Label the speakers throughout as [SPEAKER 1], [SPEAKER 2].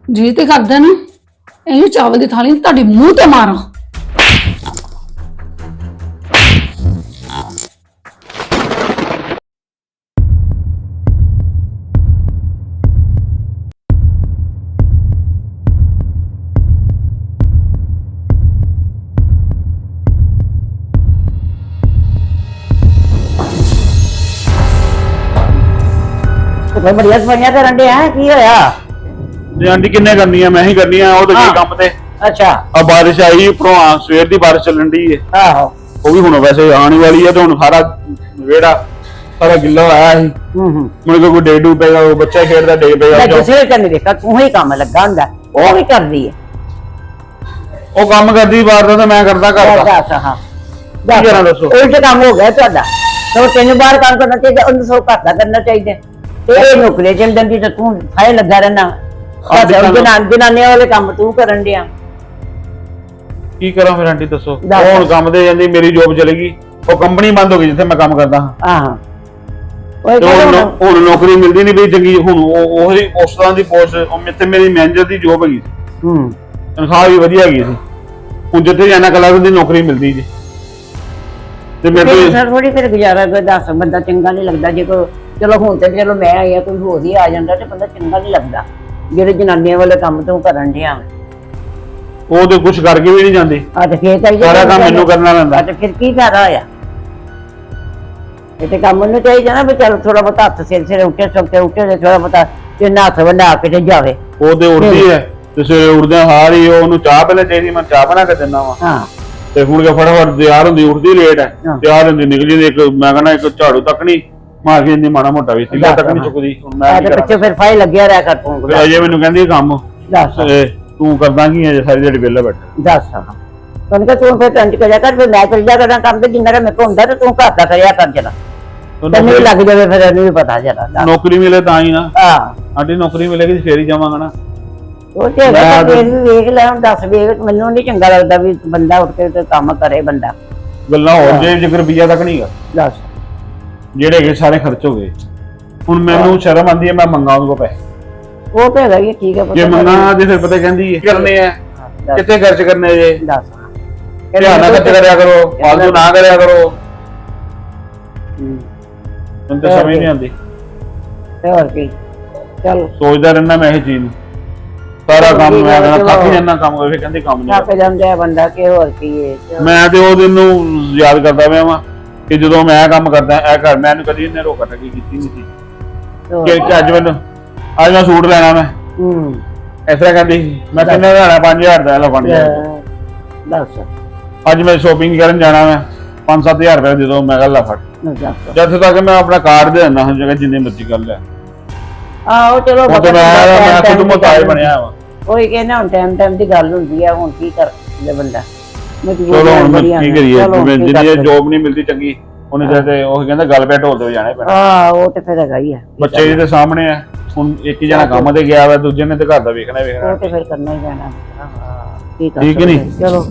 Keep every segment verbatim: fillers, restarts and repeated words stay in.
[SPEAKER 1] ਜੀ ਤੇ ਕਰਦਾ ਨਾ ਇਹ ਚਾਵਲ ਦੀ ਥਾਲੀ ਤੁਹਾਡੇ ਮੂੰਹ ਤੇ ਮਾਰਾਂ।
[SPEAKER 2] ਤੇ ਬੜੀਆਂ ਸਫਾਈਆਂ ਕਰਨ ਦੇ ਆ ਕੀ ਹੋਇਆ?
[SPEAKER 3] ਤੇ ਆਂਟੀ ਕਿੰਨੇ ਕਰਨੀਆਂ ਮੈਂ ਹੀ ਕਰਨੀਆਂ ਉਹ ਤਾਂ
[SPEAKER 2] ਹਾਂ।
[SPEAKER 3] ਕੀ ਕੰਮ ਤੇ
[SPEAKER 2] ਅੱਛਾ
[SPEAKER 3] ਆ ਬਾਰਿਸ਼ ਆਈ ਉੱਪਰੋਂ ਆ ਸਵੇਰ ਦੀ ਬਾਰਿਸ਼ ਚੱਲਣ ਦੀ ਏ
[SPEAKER 2] ਆਹੋ
[SPEAKER 3] ਉਹ ਵੀ ਹੁਣ ਵੈਸੇ ਆਉਣ ਵਾਲੀ ਹੈ ਤੇ ਹੁਣ ਸਾਰਾ ਵਿਹੜਾ ਸਾਰਾ ਗਿੱਲਾ ਹੋਇਆ ਸੀ
[SPEAKER 2] ਹੂੰ ਹੂੰ
[SPEAKER 3] ਮੁੜ ਕੇ ਕੋਈ ਡੇ ਡੂ ਪਏਗਾ ਉਹ ਬੱਚਾ ਖੇਡਦਾ ਡੇ
[SPEAKER 2] ਮੈਂ
[SPEAKER 3] ਪਏਗਾ
[SPEAKER 2] ਕਿਸੇ ਤੇ ਨਹੀਂ ਦੇਖਾ ਤੂੰ ਹੀ ਕੰਮ ਲੱਗਾ ਹੁੰਦਾ ਉਹ ਵੀ ਕਰਦੀ ਹੈ।
[SPEAKER 3] ਉਹ ਕੰਮ ਕਰਦੀ ਬਾਹਰ ਦਾ ਤੇ ਮੈਂ ਕਰਦਾ ਘਰ ਦਾ
[SPEAKER 2] ਦੱਸ ਹਾਂ
[SPEAKER 3] ਕੀ ਕਰਾਂ ਦੱਸੋ?
[SPEAKER 2] ਉਲਟ ਕੰਮ ਹੋ ਗਿਆ ਤੁਹਾਡਾ। ਸੋ ਤੈਨੂੰ ਬਾਹਰ ਕੰਮ ਕਰਨਾ ਚਾਹੀਦਾ ਉਹਨੂੰ ਸੋ ਘਰ ਦਾ ਕਰਨਾ ਚਾਹੀਦਾ ਤੇ ਇਹ ਨੌਕਰੀ ਚੱਲ ਜਾਂਦੀ ਤਾਂ ਤੂੰ ਫਾਇ ਲੱਗਾ ਰਹਿਣਾ। ਜਨਾਨੀਆਂ ਵਾਲੇ ਕੰਮ ਤੂੰ ਕਰਨ ਡਿਆ।
[SPEAKER 3] ਕੀ ਕਰਾਂ ਫਿਰ ਆਂਟੀ ਦੱਸੋ?
[SPEAKER 2] ਦੱਸ।
[SPEAKER 3] ਉਹ ਹੁਣ ਕੰਮ ਤੇ ਜਾਂਦੀ ਮੇਰੀ ਜੋਬ ਚਲੀ ਗਈ ਉਹ ਕੰਪਨੀ ਬੰਦ ਹੋ ਗਈ ਜਿੱਥੇ ਮੈਂ ਕੰਮ ਕਰਦਾ ਹਾਂ
[SPEAKER 2] ਆਹੋ ਉਹ
[SPEAKER 3] ਤੇ ਹੁਣ ਨੌ- ਹੁਣ ਨੌਕਰੀ ਮਿਲਦੀ ਨਹੀਂ ਬਈ ਚੰਗੀ ਹੁਣ ਉਹ ਉਹੀ ਉਸ ਤਰ੍ਹਾਂ ਦੀ ਪੋਸਟ ਉਹ ਮੇਥੇ ਮੇਰੀ ਮੈਨੇਜਰ ਦੀ ਜੋਬ ਹੈਗੀ ਸੀ
[SPEAKER 2] ਹੂੰ
[SPEAKER 3] ਤਨਖਾਹ ਵੀ ਵਧੀਆ ਹੈਗੀ ਸੀ ਹੁਣ ਜਿੱਥੇ ਜਾਣਾ ਕਲਾਸ ਦੀ ਨੌਕਰੀ ਮਿਲਦੀ ਜੀ ਤੇ ਮੇਰੇ ਤੋਂ
[SPEAKER 2] ਸਰ ਥੋੜੀ ਫਿਰ ਗੁਜ਼ਾਰਾ ਕੋਈ ਦੱਸ ਬੰਦਾ ਚੰਗਾ ਨਹੀਂ ਲੱਗਦਾ ਜੇ ਕੋਈ ਚਲੋ ਹੁਣ ਤੇ ਚਲੋ ਮੈਂ ਆਈ ਆ ਕੋਈ ਹੋਰ ਹੀ ਆ ਜਾਂਦਾ ਤੇ ਬੰਦਾ ਚੰਗਾ ਨਹੀਂ ਲੱਗਦਾ ਜਿਹੜੇ ਜਨਾਨੀਆਂ ਵਾਲੇ ਕੰਮ ਤੂੰ ਕਰਨ ਡਿਆ।
[SPEAKER 3] ਉਹ ਤੇ ਕੁਝ ਕਰਕੇ ਵੀ ਨਹੀਂ ਜਾਂਦੀ
[SPEAKER 2] ਆ ਤੇ ਫੇਰ ਤਾਂ
[SPEAKER 3] ਸਾਰਾ ਕੰਮ ਮੈਨੂੰ ਕਰਨਾ ਪੈਂਦਾ।
[SPEAKER 2] ਆ ਤੇ ਫਿਰ ਕੀ ਫਾਇਦਾ ਹੋਇਆ? ਇਹ ਤੇ ਕੰਮ ਨੂੰ ਚਾਹੀਦਾ ਨਾ ਵੀ ਚਲ ਥੋੜਾ ਬਹੁਤਾ ਹੱਥ ਸਿਰ ਸਿਰ ਉੱਠੇ ਸੁੱਤੇ ਉੱਠੇ ਤੇ ਥੋੜਾ ਬਹੁਤਾ ਤੇ ਹੱਥ ਵੰਡਾ ਕੇ ਤੇ ਜਾਵੇ।
[SPEAKER 3] ਉਹ ਤੇ ਉੱਠਦੀ ਹੈ ਤੇ ਸਵੇਰੇ ਉੱਠਦਿਆਂ ਹਾਰ ਹੀ ਉਹਨੂੰ ਚਾਹ ਪਹਿਲੇ ਚਾਹੀਦੀ ਮੈਂ ਚਾਹ ਬਣਾ ਕੇ ਦਿੰਦਾ ਵਾ
[SPEAKER 2] ਹਾਂ
[SPEAKER 3] ਤੇ ਹੁਣ ਕੇ ਫਟਾਫਟ ਤਿਆਰ ਹੁੰਦੀ ਉੱਠਦੀ ਲੇਟ ਹੈ
[SPEAKER 2] ਹਾਂ।
[SPEAKER 3] ਤਿਆਰ ਹੁੰਦੀ ਨਿਕਲੀ ਤੇ ਇੱਕ ਮੈਂ ਕਹਿੰਦਾ ਇੱਕ ਝਾੜੂ ਤੱਕ ਨਹੀਂ ਮਾਰ ਕੇ ਜਾਂਦੀ ਮਾੜਾ ਮੋਟਾ ਵੀ ਤਿੱਲਾ ਤੱਕ ਨਹੀਂ ਚੁੱਕਦੀ ਹੁਣ ਮੈਂ
[SPEAKER 2] ਆ
[SPEAKER 3] ਕੀ
[SPEAKER 2] ਤੇ ਪਿੱਛੇ
[SPEAKER 3] ਕਰਾਂ
[SPEAKER 2] ਫਿਰ ਫਾਈ ਲੱਗਿਆ ਰਿਹਾ ਕਰ ਤੂੰ।
[SPEAKER 3] ਫਿਰ ਅਜੇ ਮੈਨੂੰ ਕਹਿੰਦੀ ਕੰਮ
[SPEAKER 2] ਦੱਸ
[SPEAKER 3] ਤੇ ਤੂੰ ਕਰਦਾ ਕੀ ਹੈ ਜੇ ਸਾਰੀ ਦਿਹਾੜੀ ਵਿਹਲਾ ਬੈਠਾ
[SPEAKER 2] ਦੱਸ ਤੈਨੂੰ ਕਿ ਤੂੰ ਫਿਰ ਟੰਜ ਕਰਿਆ ਕਰ ਫਿਰ ਮੈਂ ਚੱਲ ਜਾ ਕਰਾਂ ਕੰਮ ਤੇ ਜਿੰਨਾ ਮੇਰੇ ਕੋਲ ਹੁੰਦਾ ਤੇ ਤੂੰ ਘਰ ਦਾ ਕਰਿਆ ਕਰ ਜਰਾ ਤੈਨੂੰ ਵੀ ਲੱਗ ਜਾਵੇ ਫਿਰ ਇਹਨੂੰ ਵੀ ਪਤਾ ਜਰਾ।
[SPEAKER 3] ਨੌਕਰੀ ਮਿਲੇ ਤਾਂ ਹੀ ਨਾ
[SPEAKER 2] ਹਾਂ
[SPEAKER 3] ਆਂਟੀ ਨੌਕਰੀ ਮਿਲੇਗੀ ਫੇਰ ਹੀ ਜਾਵਾਂਗਾ ਨਾ
[SPEAKER 2] ਉਹ ਤੇ ਹੈਗਾ ਫਿਰ ਵੀ ਵੇਖ ਲੈ ਹੁਣ ਦੱਸ ਵੇਖ ਮੈਨੂੰ ਨਹੀਂ ਚੰਗਾ ਲੱਗਦਾ ਵੀ ਬੰਦਾ ਉੱਠ ਕੇ ਤੇ ਕੰਮ ਕਰੇ ਬੰਦਾ।
[SPEAKER 3] ਗੱਲਾਂ ਹੋਰ ਜੇ ਜਿਗਰ ਰੁਪਈਆ ਤੱਕ ਨਹੀਂਗਾ
[SPEAKER 2] ਦੱਸ
[SPEAKER 3] ਜਿਹੜੇ ਹੈਗੇ ਸਾਰੇ ਖਰਚ ਹੋ ਗਏ ਹੁਣ ਮੈਨੂੰ ਸ਼ਰਮ ਆਂਦੀ ਹੈ ਮੈਂ ਮੰਗਾ ਉਹਦੇ ਕੋਲ ਪੈਸੇ
[SPEAKER 2] ਉਹ ਤੇ ਹੈਗਾ ਹੀ ਠੀਕ ਹੈ
[SPEAKER 3] ਜੇ ਮੰਗਾ ਜੇ ਫਿਰ ਪਤਾ ਕਹਿੰਦੀ ਹੈ ਕਰਨੇ ਆ ਕਿੱਥੇ ਖਰਚ ਕਰਨੇ ਜੇ
[SPEAKER 2] ਦੱਸ
[SPEAKER 3] ਧਿਆਨ ਨਾਲ ਖਰਚ ਕਰਿਆ ਕਰੋ ਫਾਲਤੂ ਨਾ ਕਰਿਆ ਕਰੋ ਮੈਨੂੰ ਤਾਂ ਸਮਝ ਨਹੀਂ ਆਉਂਦੀ
[SPEAKER 2] ਤੇ ਹੋਰ ਕੀ ਚਲ
[SPEAKER 3] ਸੋਚਦਾ ਰਹਿਣਾ ਮੈਂ ਇਹ ਚੀਜ਼ ਨੂੰ ਸਾਰਾ ਕੰਮ ਮੈਂ ਕਹਿੰਦਾ ਥੱਕ ਜਾਂਦਾ ਕੰਮ ਕਰਕੇ ਕਹਿੰਦੀ ਕੰਮ ਨਹੀਂ
[SPEAKER 2] ਥੱਕ ਜਾਂਦਾ ਹੈ ਬੰਦਾ ਕਿ ਹੋਰ ਕੀ ਹੈ।
[SPEAKER 3] ਮੈਂ ਤੇ ਉਹ ਦਿਨ ਨੂੰ ਯਾਦ ਕਰਦਾ ਪਿਆ ਵਾਂ ਕਿ ਜਦੋਂ ਮੈਂ ਕੰਮ ਕਰਦਾ ਇਹ ਘਰ ਮੈਂ ਇਹਨੂੰ ਕਦੀ ਇਹਨੇ ਰੋਕਾ ਟੱਕੀ ਕੀਤੀ ਨਹੀਂ ਸੀ ਕਿ ਕਿ ਅੱਜ ਮੈਨੂੰ ਅੱਜ ਮੈਂ ਸੂਟ ਲੈਣਾ ਮੈਂ
[SPEAKER 2] ਹੂੰ
[SPEAKER 3] ਇਸ ਤਰ੍ਹਾਂ ਕਹਿੰਦੀ ਸੀ ਮੈਂ ਕਿੰਨੇ ਦਾ ਲੈਣਾ ਪੰਜ ਹਜ਼ਾਰ ਦਾ ਲੈ ਪੰਜ ਹਜ਼ਾਰ
[SPEAKER 2] ਦੱਸ
[SPEAKER 3] ਅੱਜ ਮੈਂ ਸ਼ੋਪਿੰਗ ਕਰਨ ਜਾਣਾ ਮੈਂ ਪੰਜ ਸੱਤ ਹਜ਼ਾਰ ਰੁਪਏ ਜਦੋਂ ਮੈਂ ਗੱਲ ਫੜ
[SPEAKER 2] ਦੱਸ
[SPEAKER 3] ਜਦ ਤੱਕ ਮੈਂ ਆਪਣਾ ਕਾਰਡ ਦੇ ਦਿੰਦਾ ਹਾਂ ਜਗ੍ਹਾ ਜਿੰਨੇ ਮਰਜ਼ੀ ਕਰ ਲੈ
[SPEAKER 2] ਆਹੋ ਚਲੋ
[SPEAKER 3] ਉਹ ਤੇ ਮੈਂ ਮੈਂ ਖੁਦ ਮੁਤਾਜ ਬਣਿਆ ਵਾ
[SPEAKER 2] ਉਹੀ ਕਹਿੰਦਾ ਹੁਣ ਟਾਈਮ ਟਾਈਮ ਦੀ ਗੱਲ ਹੁੰਦੀ ਆ ਹੁਣ ਕੀ ਕਰ ਲੈ ਬੰਦਾ
[SPEAKER 3] ਚਲੋ ਹੁਣ ਮੈਂ ਕੀ ਕਰੀਏ ਜਿਵੇਂ ਜਿਹੜੀ ਜੋਬ ਨਹੀਂ ਮਿਲਦੀ ਚੰਗੀ ਉਹਨੇ ਤੇ ਉਹ ਕਹਿੰਦਾ ਗੱਲ ਪੈ ਢੋਲ ਤੇ ਜਾਣਾ ਪੈਣਾ
[SPEAKER 2] ਹਾਂ ਉਹ ਤੇ ਫਿਰ ਹੈਗਾ ਹੀ ਆ
[SPEAKER 3] ਬੱਚੇ ਜੀ ਦੇ ਸਾਹਮਣੇ ਆ ਹੁਣ ਇੱਕ ਹੀ ਜਣਾ ਕੰਮ ਤੇ ਗਿਆ ਵਾ ਦੂਜੇ ਨੇ ਤੇ ਘਰ ਦਾ ਵੇਖਣਾ ਵੇਖਣਾ
[SPEAKER 2] ਉਹ ਤੇ ਫਿਰ ਕਰਨਾ ਹੀ ਪੈਣਾ ਕੀ ਕਰ
[SPEAKER 3] ਠੀਕ ਨਹੀਂ
[SPEAKER 2] ਚਲੋ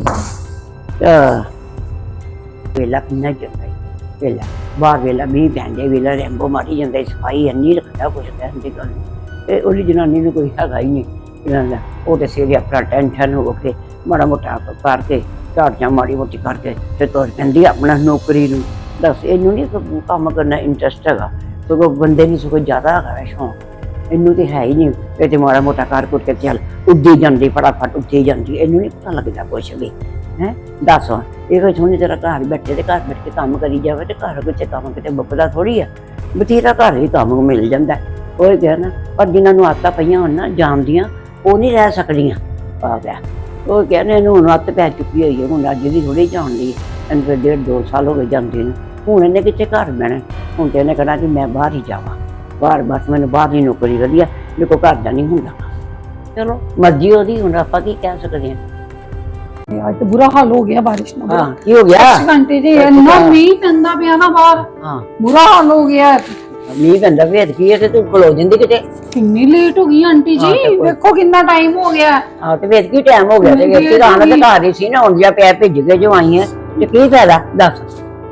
[SPEAKER 2] ਆ ਵੇਲਾ ਕਿੰਨਾ ਜਾਂਦਾ ਵੇਲਾ ਬਾਹਰ ਵੇਲਾ ਮੀਂਹ ਪੈਂਦੇ ਵੇਲਾ ਰੈਂਬੋ ਮਾਰੀ ਜਾਂਦਾ ਸਫਾਈ ਇੰਨੀ ਰੱਖਦਾ ਕੁਛ ਕਹਿਣ ਦੀ ਗੱਲ ਤੇ ਉਹਦੀ ਜਨਾਨੀ ਨੂੰ ਕੋਈ ਹੈਗਾ ਹੀ ਨਹੀਂ ਇਹਨਾਂ ਦਾ ਉਹ ਤੇ ਸਿਰੇ ਆਪਣਾ ਟੈਨਸ਼ਨ ਹੋ ਕੇ ਮਾੜਾ ਮੋਟਾ ਕਰਕੇ ਝਾੜੀਆਂ ਮਾੜੀ ਮੋਟੀ ਕਰਕੇ ਤੇ ਤੁਰ ਪੈਂਦੀ ਆਪਣਾ ਨੌਕਰੀ ਨੂੰ। ਦੱਸ ਇਹਨੂੰ ਨਹੀਂ ਕੰਮ ਕਰਨਾ ਇੰਟਰਸਟ ਹੈਗਾ ਸਗੋਂ ਬੰਦੇ ਨੂੰ ਸਗੋਂ ਜ਼ਿਆਦਾ ਹੈਗਾ ਸ਼ੌਂਕ ਇਹਨੂੰ ਤੇ ਹੈ ਹੀ ਨਹੀਂ ਇਹ ਤੇ ਮਾੜਾ ਮੋਟਾ ਕਰ ਕੁਰ ਕੇ ਚੱਲ ਉੱਡੀ ਜਾਂਦੀ ਫਟਾਫਟ ਉੱਠੀ ਜਾਂਦੀ ਇਹਨੂੰ ਨਹੀਂ ਪਤਾ ਲੱਗਦਾ ਕੁਛ ਵੀ ਹੈ। ਦੱਸ ਇਹ ਕੋਈ ਸੋਹਣੀ ਤਰ੍ਹਾਂ ਘਰ ਬੈਠੇ ਤੇ ਘਰ ਬੈਠ ਕੇ ਕੰਮ ਕਰੀ ਜਾਵੇ ਤੇ ਘਰ ਵਿੱਚ ਕੰਮ ਕਿਤੇ ਮੁੱਕਦਾ ਥੋੜੀ ਆ ਬਥੇਰਾ ਘਰ ਹੀ ਕੰਮ ਮਿਲ ਜਾਂਦਾ ਉਹ ਕਿਹਾ ਨਾ ਪਰ ਜਿਨ੍ਹਾਂ ਨੂੰ ਆਦਤਾਂ ਪਈਆਂ ਹੋਣ ਨਾ ਜਾਣਦੀਆਂ ਉਹ ਨਹੀਂ ਰਹਿ ਸਕਦੀਆਂ ਆ ਗਿਆ ਉਹ ਕਹਿੰਦੇ ਇਹਨੂੰ ਹੁਣ ਆਦਤ ਪੈ ਚੁੱਕੀ ਹੋਈ ਹੈ ਹੁਣ ਅੱਜ ਦੀ ਥੋੜੀ ਜਾਣਦੀ ਇਹਨੂੰ ਫਿਰ ਡੇਢ ਦੋ ਸਾਲ ਹੋ ਗਏ ਜਾਂਦੇ ਨੂੰ ਹੁਣ ਇਹਨੇ ਕਿੱਥੇ ਘਰ ਬਹਿਣਾ ਹੁਣ ਤੇ ਇਹਨੇ ਕਹਿਣਾ ਕਿ ਮੈਂ ਬਾਹਰ ਹੀ ਜਾਵਾਂ ਬਾਹਰ ਬਸ ਮੈਨੂੰ ਬਾਹਰ ਹੀ ਨੌਕਰੀ ਵਧੀਆ ਮੇਰੇ ਕੋਲ ਘਰ ਦਾ ਨਹੀਂ ਹੁੰਦਾ ਚਲੋ ਮਰਜ਼ੀ ਉਹਦੀ ਹੁਣ ਆਪਾਂ ਕੀ ਕਹਿ ਸਕਦੇ ਹਾਂ।
[SPEAKER 1] ਅੱਜ ਤੇ ਬੁਰਾ ਹਾਲ ਹੋ ਗਿਆ ਬਾਰਿਸ਼ ਨਾਲ।
[SPEAKER 2] ਹਾਂ ਕੀ ਹੋ ਗਿਆ
[SPEAKER 1] ਘੰਟੇ ਜੀ ਇੰਨਾ ਮੀਂਹ ਪੈਂਦਾ ਪਿਆ ਨਾ ਬਾਹਰ
[SPEAKER 2] ਹਾਂ
[SPEAKER 1] ਬੁਰਾ ਹਾਲ ਹੋ ਗਿਆ।
[SPEAKER 2] ਮੀਂਹ ਪੈਂਦਾ ਵੇਦ ਕੀ ਹੈ ਤੇ ਤੂੰ ਖਲੋ ਜਿੰਦੀ ਕਿਤੇ
[SPEAKER 1] ਕਿੰਨੀ ਲੇਟ ਹੋ ਗਈ ਆਂਟੀ
[SPEAKER 2] ਹਾਂ, ਤੇ
[SPEAKER 1] ਜੀ
[SPEAKER 2] ਕੋਈ-
[SPEAKER 1] ਵੇਖੋ ਕਿੰਨਾ ਟਾਈਮ ਹੋ ਗਿਆ।
[SPEAKER 2] ਹਾਂ ਤੇ ਵੇਦ ਕੀ ਟਾਈਮ ਹੋ ਗਿਆ ਤੇ ਵੇਦ ਕੀ ਆਣਾ ਤੇ ਘਰ ਹੀ ਸੀ ਨਾ ਹੁਣ ਜਿਆ ਪਿਆ ਭਿੱਜ ਕੇ ਜੋ ਆਈ ਹੈ ਤੇ ਕੀ ਫਾਇਦਾ ਦੱਸ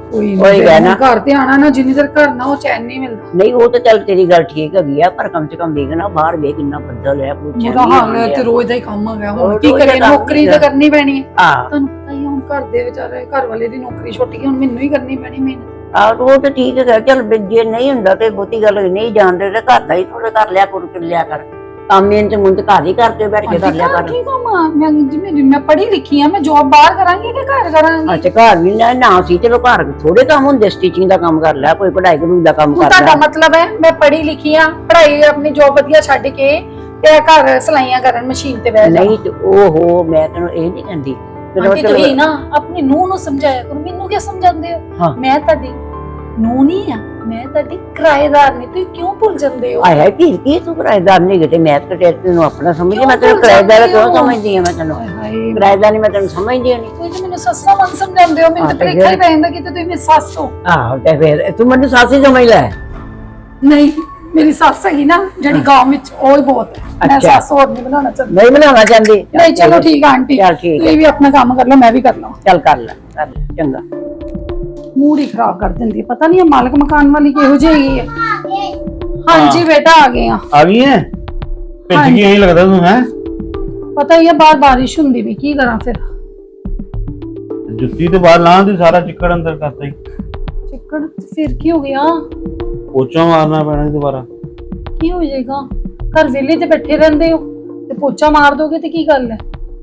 [SPEAKER 1] ਕੋਈ
[SPEAKER 2] ਉਹੀ
[SPEAKER 1] ਨਹੀਂ
[SPEAKER 2] ਕਹਿ ਨਾ।
[SPEAKER 1] ਘਰ ਤੇ ਆਣਾ ਨਾ, ਜਿੰਨੀ ਦੇਰ ਘਰ ਨਾ ਉਹ ਚੈਨ ਨਹੀਂ ਮਿਲਦਾ।
[SPEAKER 2] ਨਹੀਂ ਉਹ ਤਾਂ ਚੱਲ ਤੇਰੀ ਗੱਲ ਠੀਕ ਹੈਗੀ ਆ, ਪਰ ਕਮ ਸੇ ਕਮ ਦੇਖ ਨਾ ਬਾਹਰ ਵੇ ਕਿੰਨਾ ਬੱਦਲ ਹੈ, ਕੁਛ
[SPEAKER 1] ਉਹਦਾ ਹਾਲ ਹੈ ਤੇ ਰੋਜ਼ ਦਾ ਹੀ ਕੰਮ ਹੋ ਗਿਆ। ਹੁਣ
[SPEAKER 2] ਉਹ
[SPEAKER 1] ਕੀ
[SPEAKER 2] ਰੋਜ਼ ਦਾ
[SPEAKER 1] ਕਰੀਏ,
[SPEAKER 2] ਕੰਮ
[SPEAKER 1] ਨੌਕਰੀ
[SPEAKER 2] ਹੀ
[SPEAKER 1] ਤਾਂ
[SPEAKER 2] ਆ।
[SPEAKER 1] ਕਰਨੀ ਪੈਣੀ ਹੈ।
[SPEAKER 2] ਹਾਂ
[SPEAKER 1] ਤੁਹਾਨੂੰ ਪਤਾ ਹੀ ਆ, ਹੁਣ ਘਰ ਦੇ ਵਿਚਾਰੇ ਘਰ ਵਾਲੇ ਦੀ ਨੌਕਰੀ ਛੁੱਟ ਗਈ, ਹੁਣ ਮੈਨੂੰ ਹੀ ਕਰਨੀ ਪੈਣੀ ਮਿਹਨਤ।
[SPEAKER 2] ਆ ਉਹ ਤਾਂ ਠੀਕ ਹੈ, ਚੱਲ ਵੀ ਜੇ ਨਹੀਂ ਹੁੰਦਾ ਤੇ ਬਹੁਤੀ ਗੱਲ ਨਹੀਂ ਜਾਣਦੇ ਤੇ ਘਰ ਦਾ ਹੀ ਥੋੜਾ ਕਰ ਲਿਆ ਕਰ ਕਰ ਲਿਆ ਕਰ ਕੰਮ, ਇਹਨਾਂ ਤੇ ਮੁੰਡ ਘਰ ਹੀ ਕਰਕੇ ਬੈਠ ਕੇ ਕਰ ਲਿਆ ਕਰ।
[SPEAKER 1] ਕੀ ਕੰਮ ਆ, ਮੈਂ ਜਿਵੇਂ ਮੈਂ ਪੜ੍ਹੀ ਲਿਖੀ ਆ, ਮੈਂ ਜੌਬ ਬਾਹਰ ਕਰਾਂਗੀ ਕਿ ਘਰ ਕਰਾਂਗੀ?
[SPEAKER 2] ਅੱਛਾ ਘਰ ਵੀ ਨਾ ਨਾ ਸੀ, ਚਲੋ ਘਰ ਥੋੜੇ ਕੰਮ ਹੁੰਦੇ, ਸਟਿਚਿੰਗ ਦਾ ਕੰਮ ਕਰ ਲਿਆ, ਕੋਈ ਕਢਾਈ ਕਢੂਈ ਦਾ ਕੰਮ
[SPEAKER 1] ਹੁਣ
[SPEAKER 2] ਕਰ
[SPEAKER 1] ਤੁਹਾਡਾ
[SPEAKER 2] ਲਿਆ।
[SPEAKER 1] ਮਤਲਬ ਹੈ ਮੈਂ ਪੜ੍ਹੀ ਲਿਖੀ ਆ, ਪੜ੍ਹਾਈ ਆਪਣੀ ਜੌਬ ਵਧੀਆ ਛੱਡ ਕੇ ਤੇ ਘਰ ਸਲਾਈਆਂ ਕਰਨ ਮਸ਼ੀਨ ਤੇ ਬਹਿ ਜਾ?
[SPEAKER 2] ਨਹੀਂ ਤੇ ਉਹ ਮੈਂ ਤੈਨੂੰ ਇਹ ਨਹੀਂ ਕਹਿੰਦੀ, ਚਲੋ
[SPEAKER 1] ਆਂਟੀ ਤੁਸੀਂ ਨਾ ਆਪਣੀ ਨੂੰਹ ਨੂੰ ਸਮਝਾਇਆ ਕਰੋ, ਮੈਨੂੰ ਕਿਉਂ ਸਮਝਾਉਂਦੇ ਹੋ?
[SPEAKER 2] ਹਾਂ।
[SPEAKER 1] ਮੈਂ ਤੁਹਾਡੀ ਨੂੰਹ ਨਹੀਂ ਆ, ਮੈਂ ਤੁਹਾਡੀ ਕਿਰਾਏਦਾਰ ਨਹੀਂ, ਤੁਸੀਂ ਕਿਉਂ ਭੁੱਲ ਜਾਂਦੇ ਹੋ?
[SPEAKER 2] ਆਇਆ ਕੀ ਕੀ ਤੂੰ ਕਿਰਾਏਦਾਰ ਨਹੀਂ ਕਿਤੇ, ਮੈਂ ਤਾਂ ਤੈਨੂੰ ਆਪਣਾ ਸਮਝਦੀ,
[SPEAKER 1] ਕਿਉਂ
[SPEAKER 2] ਮੈਂ ਤੈਨੂੰ
[SPEAKER 1] ਭੁੱਲ
[SPEAKER 2] ਕਿਰਾਏਦਾਰ
[SPEAKER 1] ਜਾਂਦੇ
[SPEAKER 2] ਕਿਉਂ
[SPEAKER 1] ਹੋ?
[SPEAKER 2] ਸਮਝਦੀ ਆ? ਮੈਂ ਤੈਨੂੰ
[SPEAKER 1] ਹਾਏ ਹਾਏ,
[SPEAKER 2] ਕਿਰਾਏਦਾਰ ਨਹੀਂ, ਮੈਂ ਤੈਨੂੰ ਸਮਝਦੀ ਨਹੀਂ।
[SPEAKER 1] ਤੁਸੀਂ ਤਾਂ ਮੈਨੂੰ ਸੱਸਾਂ ਵਾਂਗ ਸਮਝਾਉਂਦੇ ਹੋ, ਮੈਨੂੰ
[SPEAKER 2] ਹਾਂ,
[SPEAKER 1] ਤਾਂ
[SPEAKER 2] ਤੇ
[SPEAKER 1] ਭੁਲੇਖਾ ਹੀ
[SPEAKER 2] ਫਿਰ?
[SPEAKER 1] ਪੈ ਜਾਂਦਾ ਕਿ ਤੁਸੀਂ ਮੇਰੀ ਸੱਸ ਹੋ।
[SPEAKER 2] ਆਹੋ ਤੇ ਫਿਰ ਤੂੰ ਮੈਨੂੰ ਸਾਸੀ ਸਮਝ ਲੈ।
[SPEAKER 1] ਨਹੀਂ, ਮੇਰੀ ਸੱਸ ਹੈਗੀ ਨਾ ਜਿਹੜੀ ਗਾਂਵ ਵਿੱਚ, ਉਹ ਹੀ ਬਹੁਤ ਹੈ। ਮੈਂ
[SPEAKER 2] ਅੱਛਾ।
[SPEAKER 1] ਸੱਸ ਹੋਰ ਨਹੀਂ ਬਣਾਉਣਾ ਚਾਹੁੰਦੀ।
[SPEAKER 2] ਨਹੀਂ ਬਣਾਉਣਾ ਚਾਹੁੰਦੀ?
[SPEAKER 1] ਨਹੀਂ ਚਲੋ ਠੀਕ ਆ ਆਂਟੀ,
[SPEAKER 2] ਚੱਲ ਠੀਕ ਹੈ।
[SPEAKER 1] ਤੁਸੀਂ ਵੀ ਆਪਣਾ ਕੰਮ ਕਰ ਲਓ, ਮੈਂ ਵੀ ਕਰ ਲਵਾਂ।
[SPEAKER 2] ਚੱਲ ਕਰ ਲੈ ਕਰ ਲੈ, ਚੰਗਾ।
[SPEAKER 1] ਮੂਡ ਹੀ ਖਰਾਬ ਕਰ ਦਿੰਦੀ ਹੈ, ਪਤਾ ਨਹੀਂ ਇਹ ਮਾਲਕ ਮਕਾਨ ਵਾਲੀ ਕਿਹੋ ਜਿਹੀ ਹੈ। ਹਾਂਜੀ ਬੇਟਾ ਆ ਗਏ ਆ।
[SPEAKER 3] ਆ ਗਈ ਹੈ ਭਿੱਜ ਗਈ ਐਂ ਲੱਗਦਾ ਤੂੰ ਹੈ।
[SPEAKER 1] ਪਤਾ ਹੀ ਹੈ ਬਾਹਰ ਬਾਰਿਸ਼ ਹੁੰਦੀ ਵੀ, ਕੀ ਕਰਾਂ ਫਿਰ?
[SPEAKER 3] ਜੁੱਤੀ ਤੇ ਬਾਹਰ ਲਾਂਦੀ, ਸਾਰਾ ਚਿੱਕੜ ਅੰਦਰ ਕਰਤਾ ਹੀ।
[SPEAKER 1] ਚਿੱਕੜ ਫਿਰ ਕੀ ਹੋ ਗਿਆ?
[SPEAKER 3] ਪੋਚਾ ਮਾਰਨਾ ਪੈਣਾ ਸੀ ਦੁਬਾਰਾ।
[SPEAKER 1] ਕੀ ਹੋ ਜਾਏਗਾ, ਘਰ ਵਿਹਲੇ ਤੇ ਬੈਠੇ ਰਹਿੰਦੇ ਹੋ ਤੇ ਪੋਚਾ ਮਾਰ ਦੋਗੇ ਤੇ ਕੀ ਗੱਲ ਹੈ?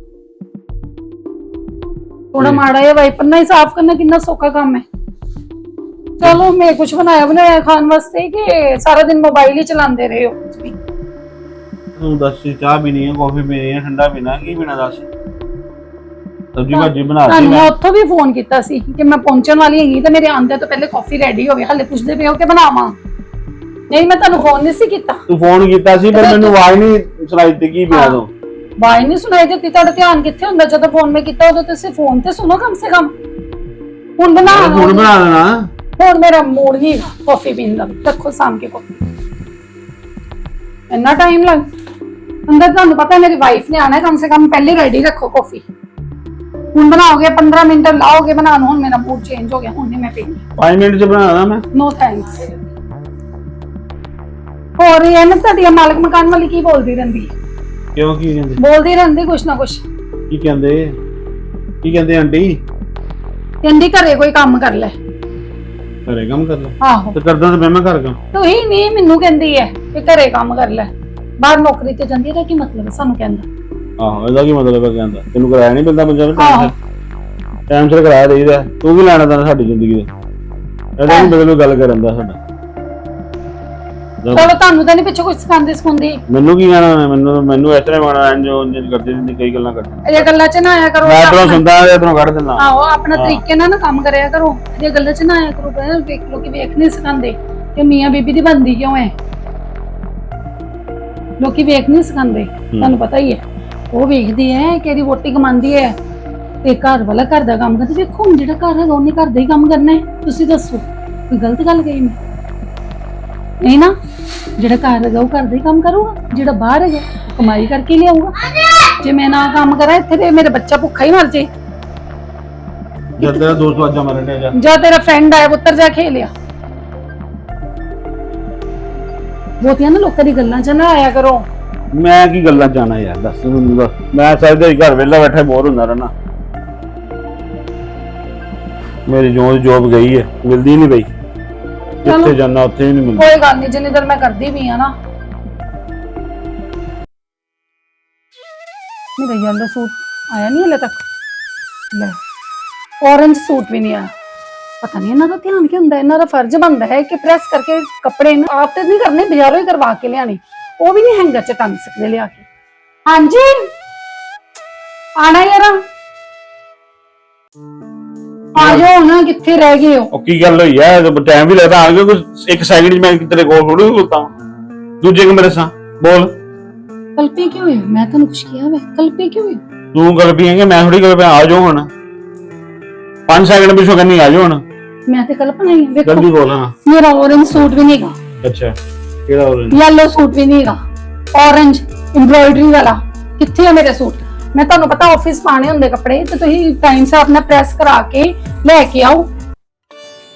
[SPEAKER 1] ਥੋੜਾ ਮਾੜਾ ਜਿਹਾ ਵਾਈਪਰ ਨਾਲ ਹੀ ਸਾਫ਼ ਕਰਨਾ ਕਿੰਨਾ ਸੌਖਾ ਕੰਮ ਹੈ। ਚਲੋ ਮੈਂ ਕੁਝ ਬਣਾਇਆ ਬਣਾਇਆ ਖਾਣ ਵਾਸਤੇ ਕਿ ਸਾਰਾ ਦਿਨ ਮੋਬਾਈਲ ਹੀ ਚਲਾਉਂਦੇ ਰਹੇ ਹੋ?
[SPEAKER 3] ਤੂੰ ਦੱਸ, ਚਾਹ ਪੀਣੀ ਹੈ, ਕਾਫੀ ਪੀਣੀ ਹੈ, ਠੰਡਾ ਪੀਣਾ, ਕੀ ਪੀਣਾ ਦੱਸ? ਸਬਜ਼ੀ ਭਾਜੀ ਬਣਾ ਦਿੱਤੀ
[SPEAKER 1] ਤੁਹਾਨੂੰ
[SPEAKER 3] ਮੈਂ।
[SPEAKER 1] ਮੈਂ ਉੱਥੋਂ ਵੀ ਫੋਨ ਕੀਤਾ ਸੀ ਕਿ ਮੈਂ ਪਹੁੰਚਣ ਵਾਲੀ ਹੈਗੀ ਤੇ ਮੇਰੇ ਆਉਂਦੇ ਤੋਂ ਪਹਿਲੇ ਕਾਫੀ ਰੈਡੀ ਹੋਵੇ, ਹਾਲੇ ਪੁੱਛਦੇ ਪਏ ਹੋ ਕਿ ਬਣਾਵਾਂ? ਨਹੀਂ ਮੈਂ ਤੁਹਾਨੂੰ ਫੋਨ ਨਹੀਂ ਸੀ ਕੀਤਾ।
[SPEAKER 3] ਤੂੰ ਫੋਨ ਕੀਤਾ ਸੀ ਪਰ ਮੈਨੂੰ ਆਵਾਜ਼ ਨਹੀਂ ਸੁਣਾਈ ਦਿੱਤੀ, ਕੀ ਪਿਆ ਤੂੰ?
[SPEAKER 1] ਬਾਈ ਨਹੀਂ ਸੁਣਾਈ ਦਿੱਤੀ? ਤੁਹਾਡਾ ਧਿਆਨ ਕਿੱਥੇ ਹੁੰਦਾ ਜਦੋਂ ਫੋਨ ਮੈਂ ਕੀਤਾ? ਉਦੋਂ ਤੁਸੀਂ ਫੋਨ ਤੇ ਸੁਣੋ ਕਮ ਸੇ ਕਮ। ਹੁਣ ਬਣਾ
[SPEAKER 3] ਹੁਣ ਬਣਾ ਦੇਣਾ।
[SPEAKER 1] ਹੁਣ ਮੇਰਾ ਮੂਡ ਨਹੀਂ ਕਾਫੀ ਪੀਣ ਦਾ, ਰੱਖੋ ਸਾਮ ਕੇ ਕਾਫੀ। ਇੰਨਾ ਟਾਈਮ ਲੱਗ ਅੰਦਰ? ਤੁਹਾਨੂੰ ਪਤਾ ਮੇਰੀ ਵਾਈਫ ਨੇ ਆਣਾ, ਕਮ ਸੇ ਕਮ ਪਹਿਲੇ ਰੈਡੀ ਰੱਖੋ ਕਾਫੀ। ਹੁਣ ਬਣਾਓਗੇ ਪੰਦਰਾਂ ਮਿੰਟ ਲਾਓਗੇ ਬਣਾਉਣ, ਹੁਣ ਮੇਰਾ ਮੂਡ ਚੇਂਜ ਹੋ ਗਿਆ, ਹੁਣ ਨਹੀਂ ਮੈਂ ਪੀਣੀ।
[SPEAKER 3] ਪੰਜ ਮਿੰਟ ਚ ਬਣਾ ਦੇਣਾ ਮੈਂ।
[SPEAKER 1] No thanks. ਹੋਰ ਇਹ ਨਾ ਤੁਹਾਡੀ ਮਾਲਕ ਮਕਾਨ ਵਾਲੀ ਕੀ ਬੋਲਦੀ ਰਹਿੰਦੀ ਹੈ?
[SPEAKER 3] ਕਿਉਂ, ਕੀ ਕਹਿੰਦੇ?
[SPEAKER 1] ਬੋਲਦੀ ਰਹਿੰਦੀ ਕੁਛ ਨਾ ਕੁਛ।
[SPEAKER 3] ਕੀ ਕਹਿੰਦੇ ਕੀ ਕਹਿੰਦੇ ਆਂਟੀ?
[SPEAKER 1] ਕਹਿੰਦੀ ਘਰੇ ਕੋਈ ਕੰਮ ਕਰ ਲੈ।
[SPEAKER 3] ਘਰੇ ਕੰਮ ਕਰ ਲੈ?
[SPEAKER 1] ਆਹੋ
[SPEAKER 3] ਤੇ ਕਰਦਾ ਤਾਂ ਮੈਂ ਕਰ ਗਾ।
[SPEAKER 1] ਤੂੰ ਹੀ ਨਹੀਂ ਮੈਨੂੰ ਕਹਿੰਦੀ ਹੈ ਕਿ ਘਰੇ ਕੰਮ ਕਰ ਲੈ, ਬਾਹਰ ਨੌਕਰੀ ਤੇ ਜਾਂਦੀ ਹੈ, ਇਹਦਾ ਕੀ ਮਤਲਬ ਹੈ ਸਾਨੂੰ ਕਹਿੰਦਾ?
[SPEAKER 3] ਆਹੋ ਇਹਦਾ ਕੀ ਮਤਲਬ ਹੈ ਕਹਿੰਦਾ? ਤੈਨੂੰ ਕਰਾਇਆ ਨਹੀਂ ਮਿਲਦਾ ਪੰਜਾਬ
[SPEAKER 1] ਆਹੋ।
[SPEAKER 3] ਵਿੱਚ? ਟਾਈਮ ਸਿਰ ਕਰਾਇਆ ਦੇਈਦਾ। ਤੂੰ ਕੀ ਲੈਣਾ ਤਾਂ ਸਾਡੀ ਜ਼ਿੰਦਗੀ ਦਾ? ਇਹਦਾ ਨਹੀਂ ਬਦਲੋ ਗੱਲ ਕਰਨ ਦਾ ਸਾਡਾ।
[SPEAKER 1] ਚਲੋ ਤੁਹਾਨੂੰ ਤਾਂ ਨਹੀਂ ਪਿੱਛੇ ਕੁਝ ਸਿਖਾਉਂਦੀ ਸਿਖਾਉਂਦੀ?
[SPEAKER 3] ਮੈਨੂੰ ਕੀ ਕਹਿਣਾ? ਮੈਨੂੰ ਮੈਨੂੰ ਇਸ ਤਰ੍ਹਾਂ ਮਾਣਾ ਇੰਜ ਇੰਜ ਕਰਦੀ ਰਹਿੰਦੀ, ਕਈ ਗੱਲਾਂ ਕਰਦੀ।
[SPEAKER 1] ਇਹ ਗੱਲਾਂ 'ਚ ਨਾ ਆਇਆ ਕਰੋ।
[SPEAKER 3] ਮੈਂ ਤੈਨੂੰ ਸੁਣਦਾ ਤੇ ਤੈਨੂੰ ਕੱਢ ਦਿੰਦਾ।
[SPEAKER 1] ਆਹੋ ਆਪਣਾ ਤਰੀਕੇ ਨਾਲ ਨਾ ਕੰਮ ਕਰਿਆ ਕਰੋ, ਇਹ ਗੱਲਾਂ 'ਚ ਨਾ ਆਇਆ ਕਰੋ। ਪਹਿਲਾਂ ਵੇਖ ਲੋ ਕਿ ਵੇਖ ਨਹੀਂ ਸਿਖਾਉਂਦੇ ਕਿ ਮੀਆਂ ਬੀਬੀ ਦੀ ਬੰਦੀ ਕਿਉਂ ਹੈ। ਲੋਕੀ ਵੇਖ ਨਹੀਂ ਸਿਖਾਉਂਦੇ, ਤੁਹਾਨੂੰ ਪਤਾ ਹੀ ਹੈ। ਉਹ ਵੇਖਦੇ ਹੈ ਕਿ ਇਹਦੀ ਵੋਟੀ ਕਮਾਉਂਦੀ ਹੈ ਤੇ ਘਰ ਵਾਲਾ ਘਰ ਦਾ ਕੰਮ ਕਰਦਾ। ਵੇਖੋ ਹੁਣ ਜਿਹੜਾ ਘਰ ਹੈਗਾ ਉਹਨੇ ਘਰ ਦਾ ਹੀ ਕੰਮ ਕਰਨਾ ਹੈ। ਤੁਸੀਂ ਦੱਸੋ ਕੋਈ ਗਲਤ ਗੱਲ ਕਹੀ ਮੈਂ? ਨਹੀਂ ਨਾ, ਜਿਹੜਾ ਘਰ ਹੈਗਾ ਉਹ ਘਰ ਦਾ ਹੀ ਕੰਮ ਕਰੂਗਾ, ਜਿਹੜਾ ਬਾਹਰ ਹੈਗਾ ਉਹ ਕਮਾਈ ਕਰਕੇ ਲਿਆਊਗਾ। ਜੇ ਮੈਂ ਨਾ ਕੰਮ ਕਰਾਂ ਇੱਥੇ ਤੇ ਮੇਰਾ ਬੱਚਾ ਭੁੱਖਾ ਹੀ ਮਰ ਜੇ।
[SPEAKER 3] ਜਦ ਤੇਰਾ ਦੋਸਤ ਆਜਾ ਮਰਨ ਡਿਆ ਜਾ।
[SPEAKER 1] ਜਾਂ ਤੇਰਾ ਫਰੈਂਡ ਆਇਆ ਪੁੱਤਰ ਜਾ ਖੇਲਿਆ। ਬਹੁਤੀਆਂ ਨਾ ਲੋਕਾਂ ਦੀ ਗੱਲਾਂ 'ਚ ਨਾ ਆਇਆ ਕਰੋ।
[SPEAKER 3] ਮੈਂ ਕੀ ਗੱਲਾਂ ਜਾਣਾ ਯਾਰ, ਦੱਸ ਮੈਨੂੰ ਦੱਸ। ਮੈਂ ਸਾਰੇ ਘਰ ਵਿਹਲਾ ਬੈਠਾ ਬੋਰ ਹੁੰਦਾ ਰਹਿਣਾ। ਮੇਰੀ ਜੋ ਜੋਬ ਗਈ ਹੈ, ਮਿਲਦੀ ਨਹੀਂ ਪਈ। ਜਿੱਥੇ ਜਾਣਾ ਉੱਥੇ ਵੀ ਨਹੀਂ ਮਿਲਦੀ।
[SPEAKER 1] ਕੋਈ ਗੱਲ ਨਹੀਂ, ਜਿੰਨੀ ਦੇਰ ਮੈਂ ਕਰਦੀ ਵੀ ਆ ਨਾ। ਮੇਰਾ ਯੈਲੋ ਸੂਟ ਆਇਆ ਨਹੀਂ ਹਲੇ ਤੱਕ। ਲੈ ਔਰੰਜ ਸੂਟ ਵੀ ਨਹੀਂ ਆਇਆ। ਪਤਾ ਨਹੀਂ ਇਹਨਾਂ ਦਾ ਧਿਆਨ ਕੀ ਹੁੰਦਾ। ਇਹਨਾਂ ਦਾ ਫਰਜ਼ ਬਣਦਾ ਹੈ ਕਿ ਪ੍ਰੈਸ ਕਰਕੇ ਕੱਪੜੇ ਨੂੰ ਆਪ ਤੇ ਨਹੀਂ ਕਰਨੇ, ਬਾਜ਼ਾਰੋਂ ਹੀ ਕਰਵਾ ਕੇ ਲਿਆਣੇ। ਉਹ ਵੀ ਨਹੀਂ ਹੈਂਗਰ 'ਚ ਟੰਗ ਸਕਦੇ ਲਿਆ ਕੇ। ਹਾਂਜੀ ਆਣਾ ਯਾਰ, ਆ ਜਾਓ ਨਾ, ਕਿੱਥੇ ਰਹਿ ਗਏ ਹੋ?
[SPEAKER 3] ਉਹ ਕੀ ਗੱਲ ਹੋਈ ਹੈ? ਟਾਈਮ ਵੀ ਲੱਗਦਾ ਆ ਗਿਆ ਕੋਈ ਇੱਕ ਸੈਕਿੰਡ ਚ। ਮੈਂ ਤੇਰੇ ਕੋਲ ਥੋੜੀ ਖਲੋਤਾ ਦੂਜੇ ਕਮਰੇ ਸਾਂ। ਬੋਲ।
[SPEAKER 1] ਕਲਪੇ ਕਿਉਂ ਹੋਏ? ਮੈਂ ਤੁਹਾਨੂੰ ਕੁਛ ਕਿਹਾ ਵੇ? ਕਲਪੇ ਕਿਉਂ ਹੋਏ?
[SPEAKER 3] ਤੂੰ ਗੱਲ ਪੀਏਂਗੇ, ਮੈਂ ਥੋੜੀ ਗੱਲ ਪਿਆ। ਆ ਜਾਓ ਹੁਣ, ਪੰਜ ਸੈਕਿੰਡ ਪਿੱਛੋਂ ਕਹਿੰਦੀ ਆ ਜਾਓ ਹੁਣ।
[SPEAKER 1] ਮੈਂ ਤੇ ਕਲਪਨਾ ਹੀ ਵੇਖੋ।
[SPEAKER 3] ਜਲਦੀ ਬੋਲ। ਹਾਂ
[SPEAKER 1] ਮੇਰਾ ਔਰੰਜ ਸੂਟ ਵੀ ਨਹੀਂਗਾ।
[SPEAKER 3] ਅੱਛਾ ਕਿਹੜਾ ਔਰੰਜ?
[SPEAKER 1] ਯੈਲੋ ਸੂਟ ਵੀ ਨਹੀਂਗਾ। ਔਰੰਜ ਐਮਬ੍ਰੋਇਡਰੀ ਵਾਲਾ ਕਿੱਥੇ ਆ ਮੇਰੇ ਸੂਟ? ਮੈਂ ਤੁਹਾਨੂੰ ਪਤਾ ਆਫਿਸ ਪਾਣੇ ਹੁੰਦੇ ਕੱਪੜੇ ਤੇ ਤੁਸੀਂ ਟਾਈਮ ਸਿਰ ਆਪਣਾ ਪ੍ਰੈਸ ਕਰਾ ਕੇ ਲੈ ਕੇ ਆਓ।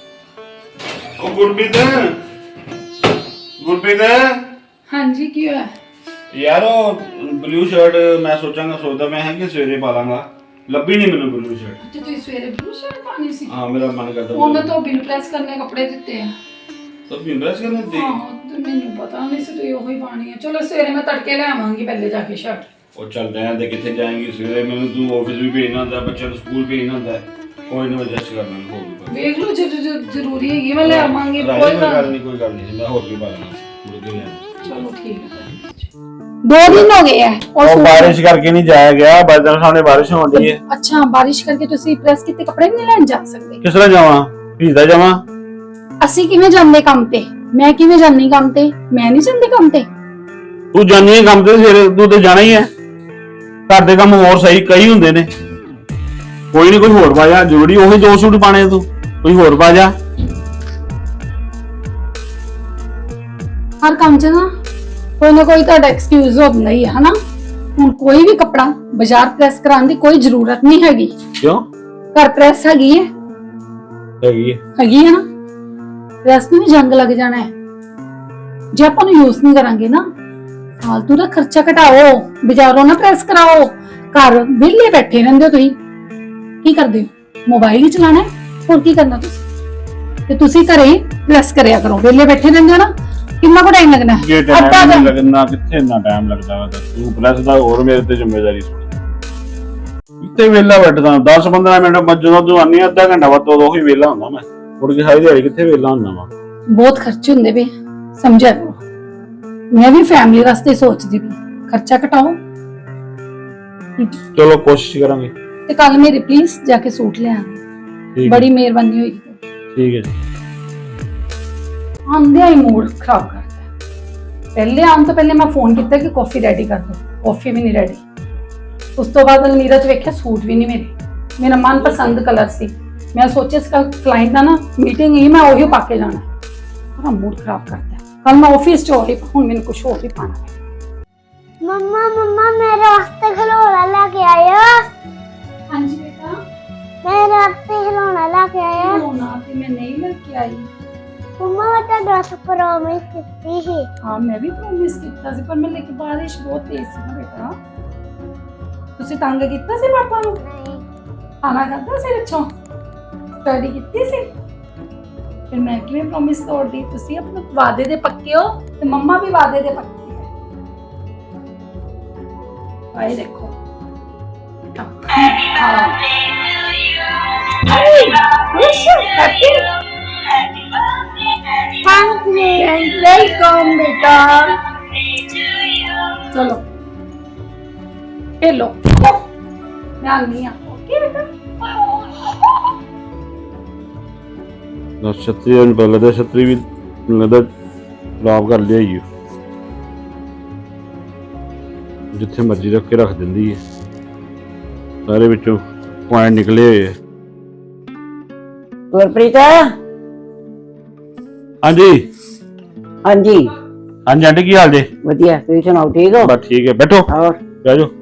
[SPEAKER 3] ਉਹ ਗੁਰਪ੍ਰੀਤ ਗੁਰਪ੍ਰੀਤ
[SPEAKER 1] ਹਾਂਜੀ ਕੀ ਹੋਇਆ?
[SPEAKER 3] ਯਾਰ ਉਹ ਬਲੂ ਸ਼ਰਟ ਮੈਂ ਸੋਚਾਂਗਾ ਸੋਚਦਾ ਮੈਂ ਹੈ ਕਿ ਸਵੇਰੇ ਪਾ ਲਾਂਗਾ, ਲੱਭੀ ਨਹੀਂ ਮੈਨੂੰ ਬਲੂ ਸ਼ਰਟ।
[SPEAKER 1] ਤੇ ਤੁਸੀਂ ਸਵੇਰੇ ਬਲੂ ਸ਼ਰਟ ਪਾਣੀ ਸੀ?
[SPEAKER 3] ਹਾਂ ਮੇਰਾ ਮਨ ਕਰਦਾ
[SPEAKER 1] ਉਹਨਾਂ ਤੋਂ ਬਿਲ ਪ੍ਰੈਸ ਕਰਨੇ ਕੱਪੜੇ ਦਿੱਤੇ ਆ।
[SPEAKER 3] ਤਾਂ ਬਿੰਦਰਸ ਕਰਨੇ ਦੇ।
[SPEAKER 1] ਹਾਂ ਤੇ ਮੈਨੂੰ ਪਤਾ ਨਹੀਂ ਸੀ ਤੁਸੀਂ ਉਹੀ ਪਾਣੀ ਹੈ। ਚਲੋ ਸਵੇਰੇ ਮੈਂ ਤੜਕੇ ਲੈ ਆਵਾਂਗੀ ਪਹਿਲੇ ਜਾ ਕੇ ਸ਼ਰਟ।
[SPEAKER 3] ਉਹ ਚੱਲਦੇ ਆਂ ਤੇ ਕਿੱਥੇ ਜਾਏਂਗੀ ਸਵੇਰੇ, ਮੈਨੂੰ ਤੂੰ ਆਫਿਸ ਵੀ ਭੇਜਣਾ ਹੁੰਦਾ, ਬੱਚਿਆਂ ਨੂੰ ਸਕੂਲ ਭੇਜਣਾ ਹੁੰਦਾ, ਕੋਈ ਨਾ ਐਡਜਸਟ ਕਰ ਲਾਂਗਾ ਹੋਰ ਵੀ।
[SPEAKER 1] ਵੇਖ ਲਓ ਜੇ ਜੇ ਜ਼ਰੂਰੀ ਹੈਗੀ ਮੈਂ ਲੈ ਆਵਾਂਗੀ,
[SPEAKER 3] ਕੋਈ
[SPEAKER 1] ਕੋਈ
[SPEAKER 3] ਗੱਲ
[SPEAKER 1] ਗੱਲ
[SPEAKER 3] ਨਹੀਂ ਕੋਈ ਗੱਲ ਨਹੀਂ, ਮੈਂ ਹੋਰ ਵੀ ਪਾ ਲਾਂਗਾ ਮੁੜ ਕੇ ਲੈ ਆਵਾਂਗਾ।
[SPEAKER 1] ਚਲੋ ਠੀਕ ਹੈ। दो दिन हो गए हैं और
[SPEAKER 3] ਉਹ
[SPEAKER 1] सूट-
[SPEAKER 3] ਬਾਰਿਸ਼ ਕਰਕੇ ਨਹੀਂ ਜਾਇਆ ਗਿਆ, ਬਾਦਲ ਸਾਹਮਣੇ ਬਾਰਿਸ਼ ਹੋਣ ਦੀ ਹੈ।
[SPEAKER 1] अच्छा बारिश करके ਤੁਸੀਂ ਪ੍ਰੈਸ ਕੀਤੇ ਕੱਪੜੇ ਨਹੀਂ ਲੈਣ ਜਾ ਸਕਦੇ?
[SPEAKER 3] ਕਿਸ ਤਰ੍ਹਾਂ ਜਾਵਾਂ, ਭੀਜਦਾ ਜਾਵਾਂ?
[SPEAKER 1] ਅਸੀਂ ਕਿਵੇਂ ਜਾਂਦੇ ਕੰਮ ਤੇ? ਮੈਂ ਕਿਵੇਂ ਜਾਂਦੀ ਕੰਮ ਤੇ? ਮੈਂ ਨਹੀਂ ਜਾਂਦੀ ਕੰਮ ਤੇ।
[SPEAKER 3] ਤੂੰ ਜਾਨੀ ਹੈ ਕੰਮ ਤੇ, ਸਵੇਰੇ ਤੂੰ ਤੇ ਜਾਣਾ ਹੀ ਹੈ। ਘਰ ਦੇ ਕੰਮ ਹੋਰ ਸਹੀ ਕਈ ਹੁੰਦੇ ਨੇ, ਕੋਈ ਨਹੀਂ ਕੋਈ ਹੋਰ ਪਾ ਜਾ, ਜ਼ਰੂਰੀ ਉਹੀ ਦੋ ਸੂਟ ਪਾਣੇ ਤੂੰ, ਕੋਈ ਹੋਰ ਪਾ ਜਾ।
[SPEAKER 1] ਹਰ ਕੰਮ 'ਚ ਨਾ ਕੋਈ ਨਾ ਕੋਈ ਤੁਹਾਡਾ ਐਕਸਕਿਊਜ਼ ਹੁੰਦਾ ਹੀ ਹੈ ਹਨਾ। ਹੁਣ ਕੋਈ ਵੀ ਕੱਪੜਾ ਬਾਜ਼ਾਰ ਪ੍ਰੈਸ ਕਰਾਉਣ ਦੀ ਕੋਈ ਜ਼ਰੂਰਤ ਨਹੀਂ ਹੈਗੀ।
[SPEAKER 3] ਕਿਉਂ?
[SPEAKER 1] ਘਰ ਪ੍ਰੈਸ ਹੈਗੀ ਹੈ
[SPEAKER 3] ਹੈਗੀ ਹੈ
[SPEAKER 1] ਹੈਗੀ ਹੈ ਨਾ। ਪ੍ਰੈਸ ਨੂੰ ਵੀ ਜੰਗ ਲੱਗ ਜਾਣਾ ਹੈ ਜੇ ਆਪਾਂ ਨੂੰ ਯੂਜ਼ ਨਹੀਂ ਕਰਾਂਗੇ ਨਾ। ਫਾਲਤੂ ਦਾ ਖਰਚਾ ਘਟਾਓ, ਬਾਜ਼ਾਰੋਂ ਨਾ ਪ੍ਰੈਸ ਕਰਾਓ। ਘਰ ਵਿਹਲੇ ਬੈਠੇ ਰਹਿੰਦੇ ਹੋ ਤੁਸੀਂ, ਕੀ ਕਰਦੇ ਹੋ? ਮੋਬਾਈਲ ਹੀ ਚਲਾਣਾ ਹੈ, ਹੋਰ ਕੀ ਕਰਨਾ ਤੁਸੀਂ? ਤੇ ਤੁਸੀਂ ਘਰੇ ਪ੍ਰੈਸ ਕਰਿਆ ਕਰੋ, ਵਿਹਲੇ ਬੈਠੇ ਰਹਿੰਦੇ ਹੋ ਨਾ। ਕਿੰਨਾ ਕੁ ਟਾਈਮ ਲੱਗਣਾ ਹੈ?
[SPEAKER 3] ਜੇ
[SPEAKER 1] ਅੱਧਾ
[SPEAKER 3] ਟਾਈਮ
[SPEAKER 1] ਘੰਟਾ।
[SPEAKER 3] ਲੱਗਣਾ ਕਿੱਥੇ ਇੰਨਾ ਟਾਈਮ ਲੱਗਦਾ ਵਾ, ਤੂੰ ਪਲੱਸ ਦਾ ਹੋਰ ਮੇਰੇ ਤੇ ਜ਼ਿੰਮੇਵਾਰੀ ਸੁਣ। ਇੱਥੇ ਵੇਲਾ ਬੈਠਦਾ ਦਸ ਪੰਦਰਾਂ ਮਿੰਟ, ਜਦੋਂ ਤੂੰ ਆਨੀ ਅੱਧਾ ਘੰਟਾ ਬਾਅਦ ਉਹੀ ਵੇਲਾ ਹੁੰਦਾ ਮੈਂ, ਮੁੜ ਕੇ ਸਾਰੀ ਦਿਹਾੜੀ ਕਿੱਥੇ ਵੇਲਾ ਹੁੰਦਾ ਵਾ।
[SPEAKER 1] ਬਹੁਤ ਖਰਚੇ ਹੁੰਦੇ ਵੇ, ਸਮਝਿਆ ਕਰੋ। ਮੈਂ ਵੀ ਫੈਮਿਲੀ ਵਾਸਤੇ ਸੋਚਦੀ ਵੀ ਖਰਚਾ ਘਟਾਓ।
[SPEAKER 3] ਚਲੋ ਕੋਸ਼ਿਸ਼ ਕਰਾਂਗੇ।
[SPEAKER 1] ਤੇ ਕੱਲ ਮੇਰੇ ਪਲੀਜ਼ ਜਾ ਕੇ ਸੂਟ ਲੈ ਆਣਾ,
[SPEAKER 3] ਠੀਕ ਹੈ
[SPEAKER 1] ਬੜੀ ਮਿਹਰਬਾਨੀ ਹੋਏਗੀ।
[SPEAKER 3] ਠੀਕ ਹੈ ਜੀ।
[SPEAKER 1] ਆਂਦਿਆਂ ਹੀ ਮੂਡ ਖਰਾਬ ਕਰਦਾ। ਪਹਿਲੇ ਆਉਣ ਤੋਂ ਪਹਿਲੇ ਮੈਂ ਫੋਨ ਕੀਤਾ ਕਿ ਕਾਫੀ ਰੈਡੀ ਕਰ ਦੋ, ਕਾਫੀ ਵੀ ਨਹੀਂ ਰੈਡੀ। ਉਸ ਤੋਂ ਬਾਅਦ ਅਲਮੀਰਾ 'ਚ ਵੇਖਿਆ ਸੂਟ ਵੀ ਨਹੀਂ ਮੇਰੇ, ਮੇਰਾ ਮਨਪਸੰਦ ਕਲਰ ਸੀ। ਮੈਂ ਸੋਚਿਆ ਇਸ ਕੱਲ ਕਲਾਇੰਟ ਦਾ ਨਾ ਮੀਟਿੰਗ ਹੀ, ਮੈਂ ਉਹੀ ਪਾ ਕੇ ਜਾਣਾ। ਬੜਾ ਮੂਡ ਖਰਾਬ ਕਰਦਾ। ਕੱਲ ਮੈਂ ਆਫਿਸ 'ਚ ਉਹੀ, ਹੁਣ ਮੈਨੂੰ ਕੁਝ ਹੋਰ ਹੀ ਪਾਣਾ ਹੈ।
[SPEAKER 4] मम्मा मम्मा मेरे वास्ते खिलौना लेके आयो।
[SPEAKER 1] हाँ जी बेटा।
[SPEAKER 4] मेरे वास्ते खिलौना लेके आयो।
[SPEAKER 1] खिलौना ते मैं नहीं लेके आई।
[SPEAKER 4] मम्मा मैं तो दस प्रॉमिस की थी।
[SPEAKER 1] हाँ मैं भी प्रॉमिस किया सी, पर मैं लेके बारिश बहुत तेज सी ना बेटा। तुसी तंग किया सी पापा नू?
[SPEAKER 4] नहीं।
[SPEAKER 1] खाना खादा सी पिछों? स्टडी कीती सी? फिर मैं किवें प्रॉमिस तोड़ दी? तुसी अपने वादे दे पक्के हो ते मम्मा भी वादे दे पक्के है। आए देखो। हाँ। खुश हैप्पी
[SPEAKER 4] थैंक यू।
[SPEAKER 1] वेलकम बेटा। चलो खेलो, मैं आनी हाँ। ओके बेटा।
[SPEAKER 3] ਛਤਰੀ ਨੂੰ ਪਹਿਲਾਂ ਤਾਂ ਛਤਰੀ ਵੀ ਲੱਗਦਾ ਖਰਾਬ ਕਰ ਲਿਆ ਹੀ, ਜਿੱਥੇ ਮਰਜ਼ੀ ਰੱਖ ਕੇ ਰੱਖ ਦਿੰਦੀ ਹੈ, ਸਾਰੇ ਵਿੱਚੋਂ ਪੁਆਇੰਟ ਨਿਕਲੇ ਹੋਏ ਆ।
[SPEAKER 2] ਗੁਰਪ੍ਰੀਤ।
[SPEAKER 3] ਹਾਂਜੀ
[SPEAKER 2] ਹਾਂਜੀ
[SPEAKER 3] ਹਾਂਜੀ ਆਂਟੀ ਕੀ ਹਾਲ ਜੇ?
[SPEAKER 2] ਵਧੀਆ, ਤੁਸੀਂ ਸੁਣਾਓ ਠੀਕ ਹੋ?
[SPEAKER 3] ਬਸ ਠੀਕ ਹੈ, ਬੈਠੋ
[SPEAKER 2] ਹੋਰ
[SPEAKER 3] ਬਹਿ ਜਾਓ।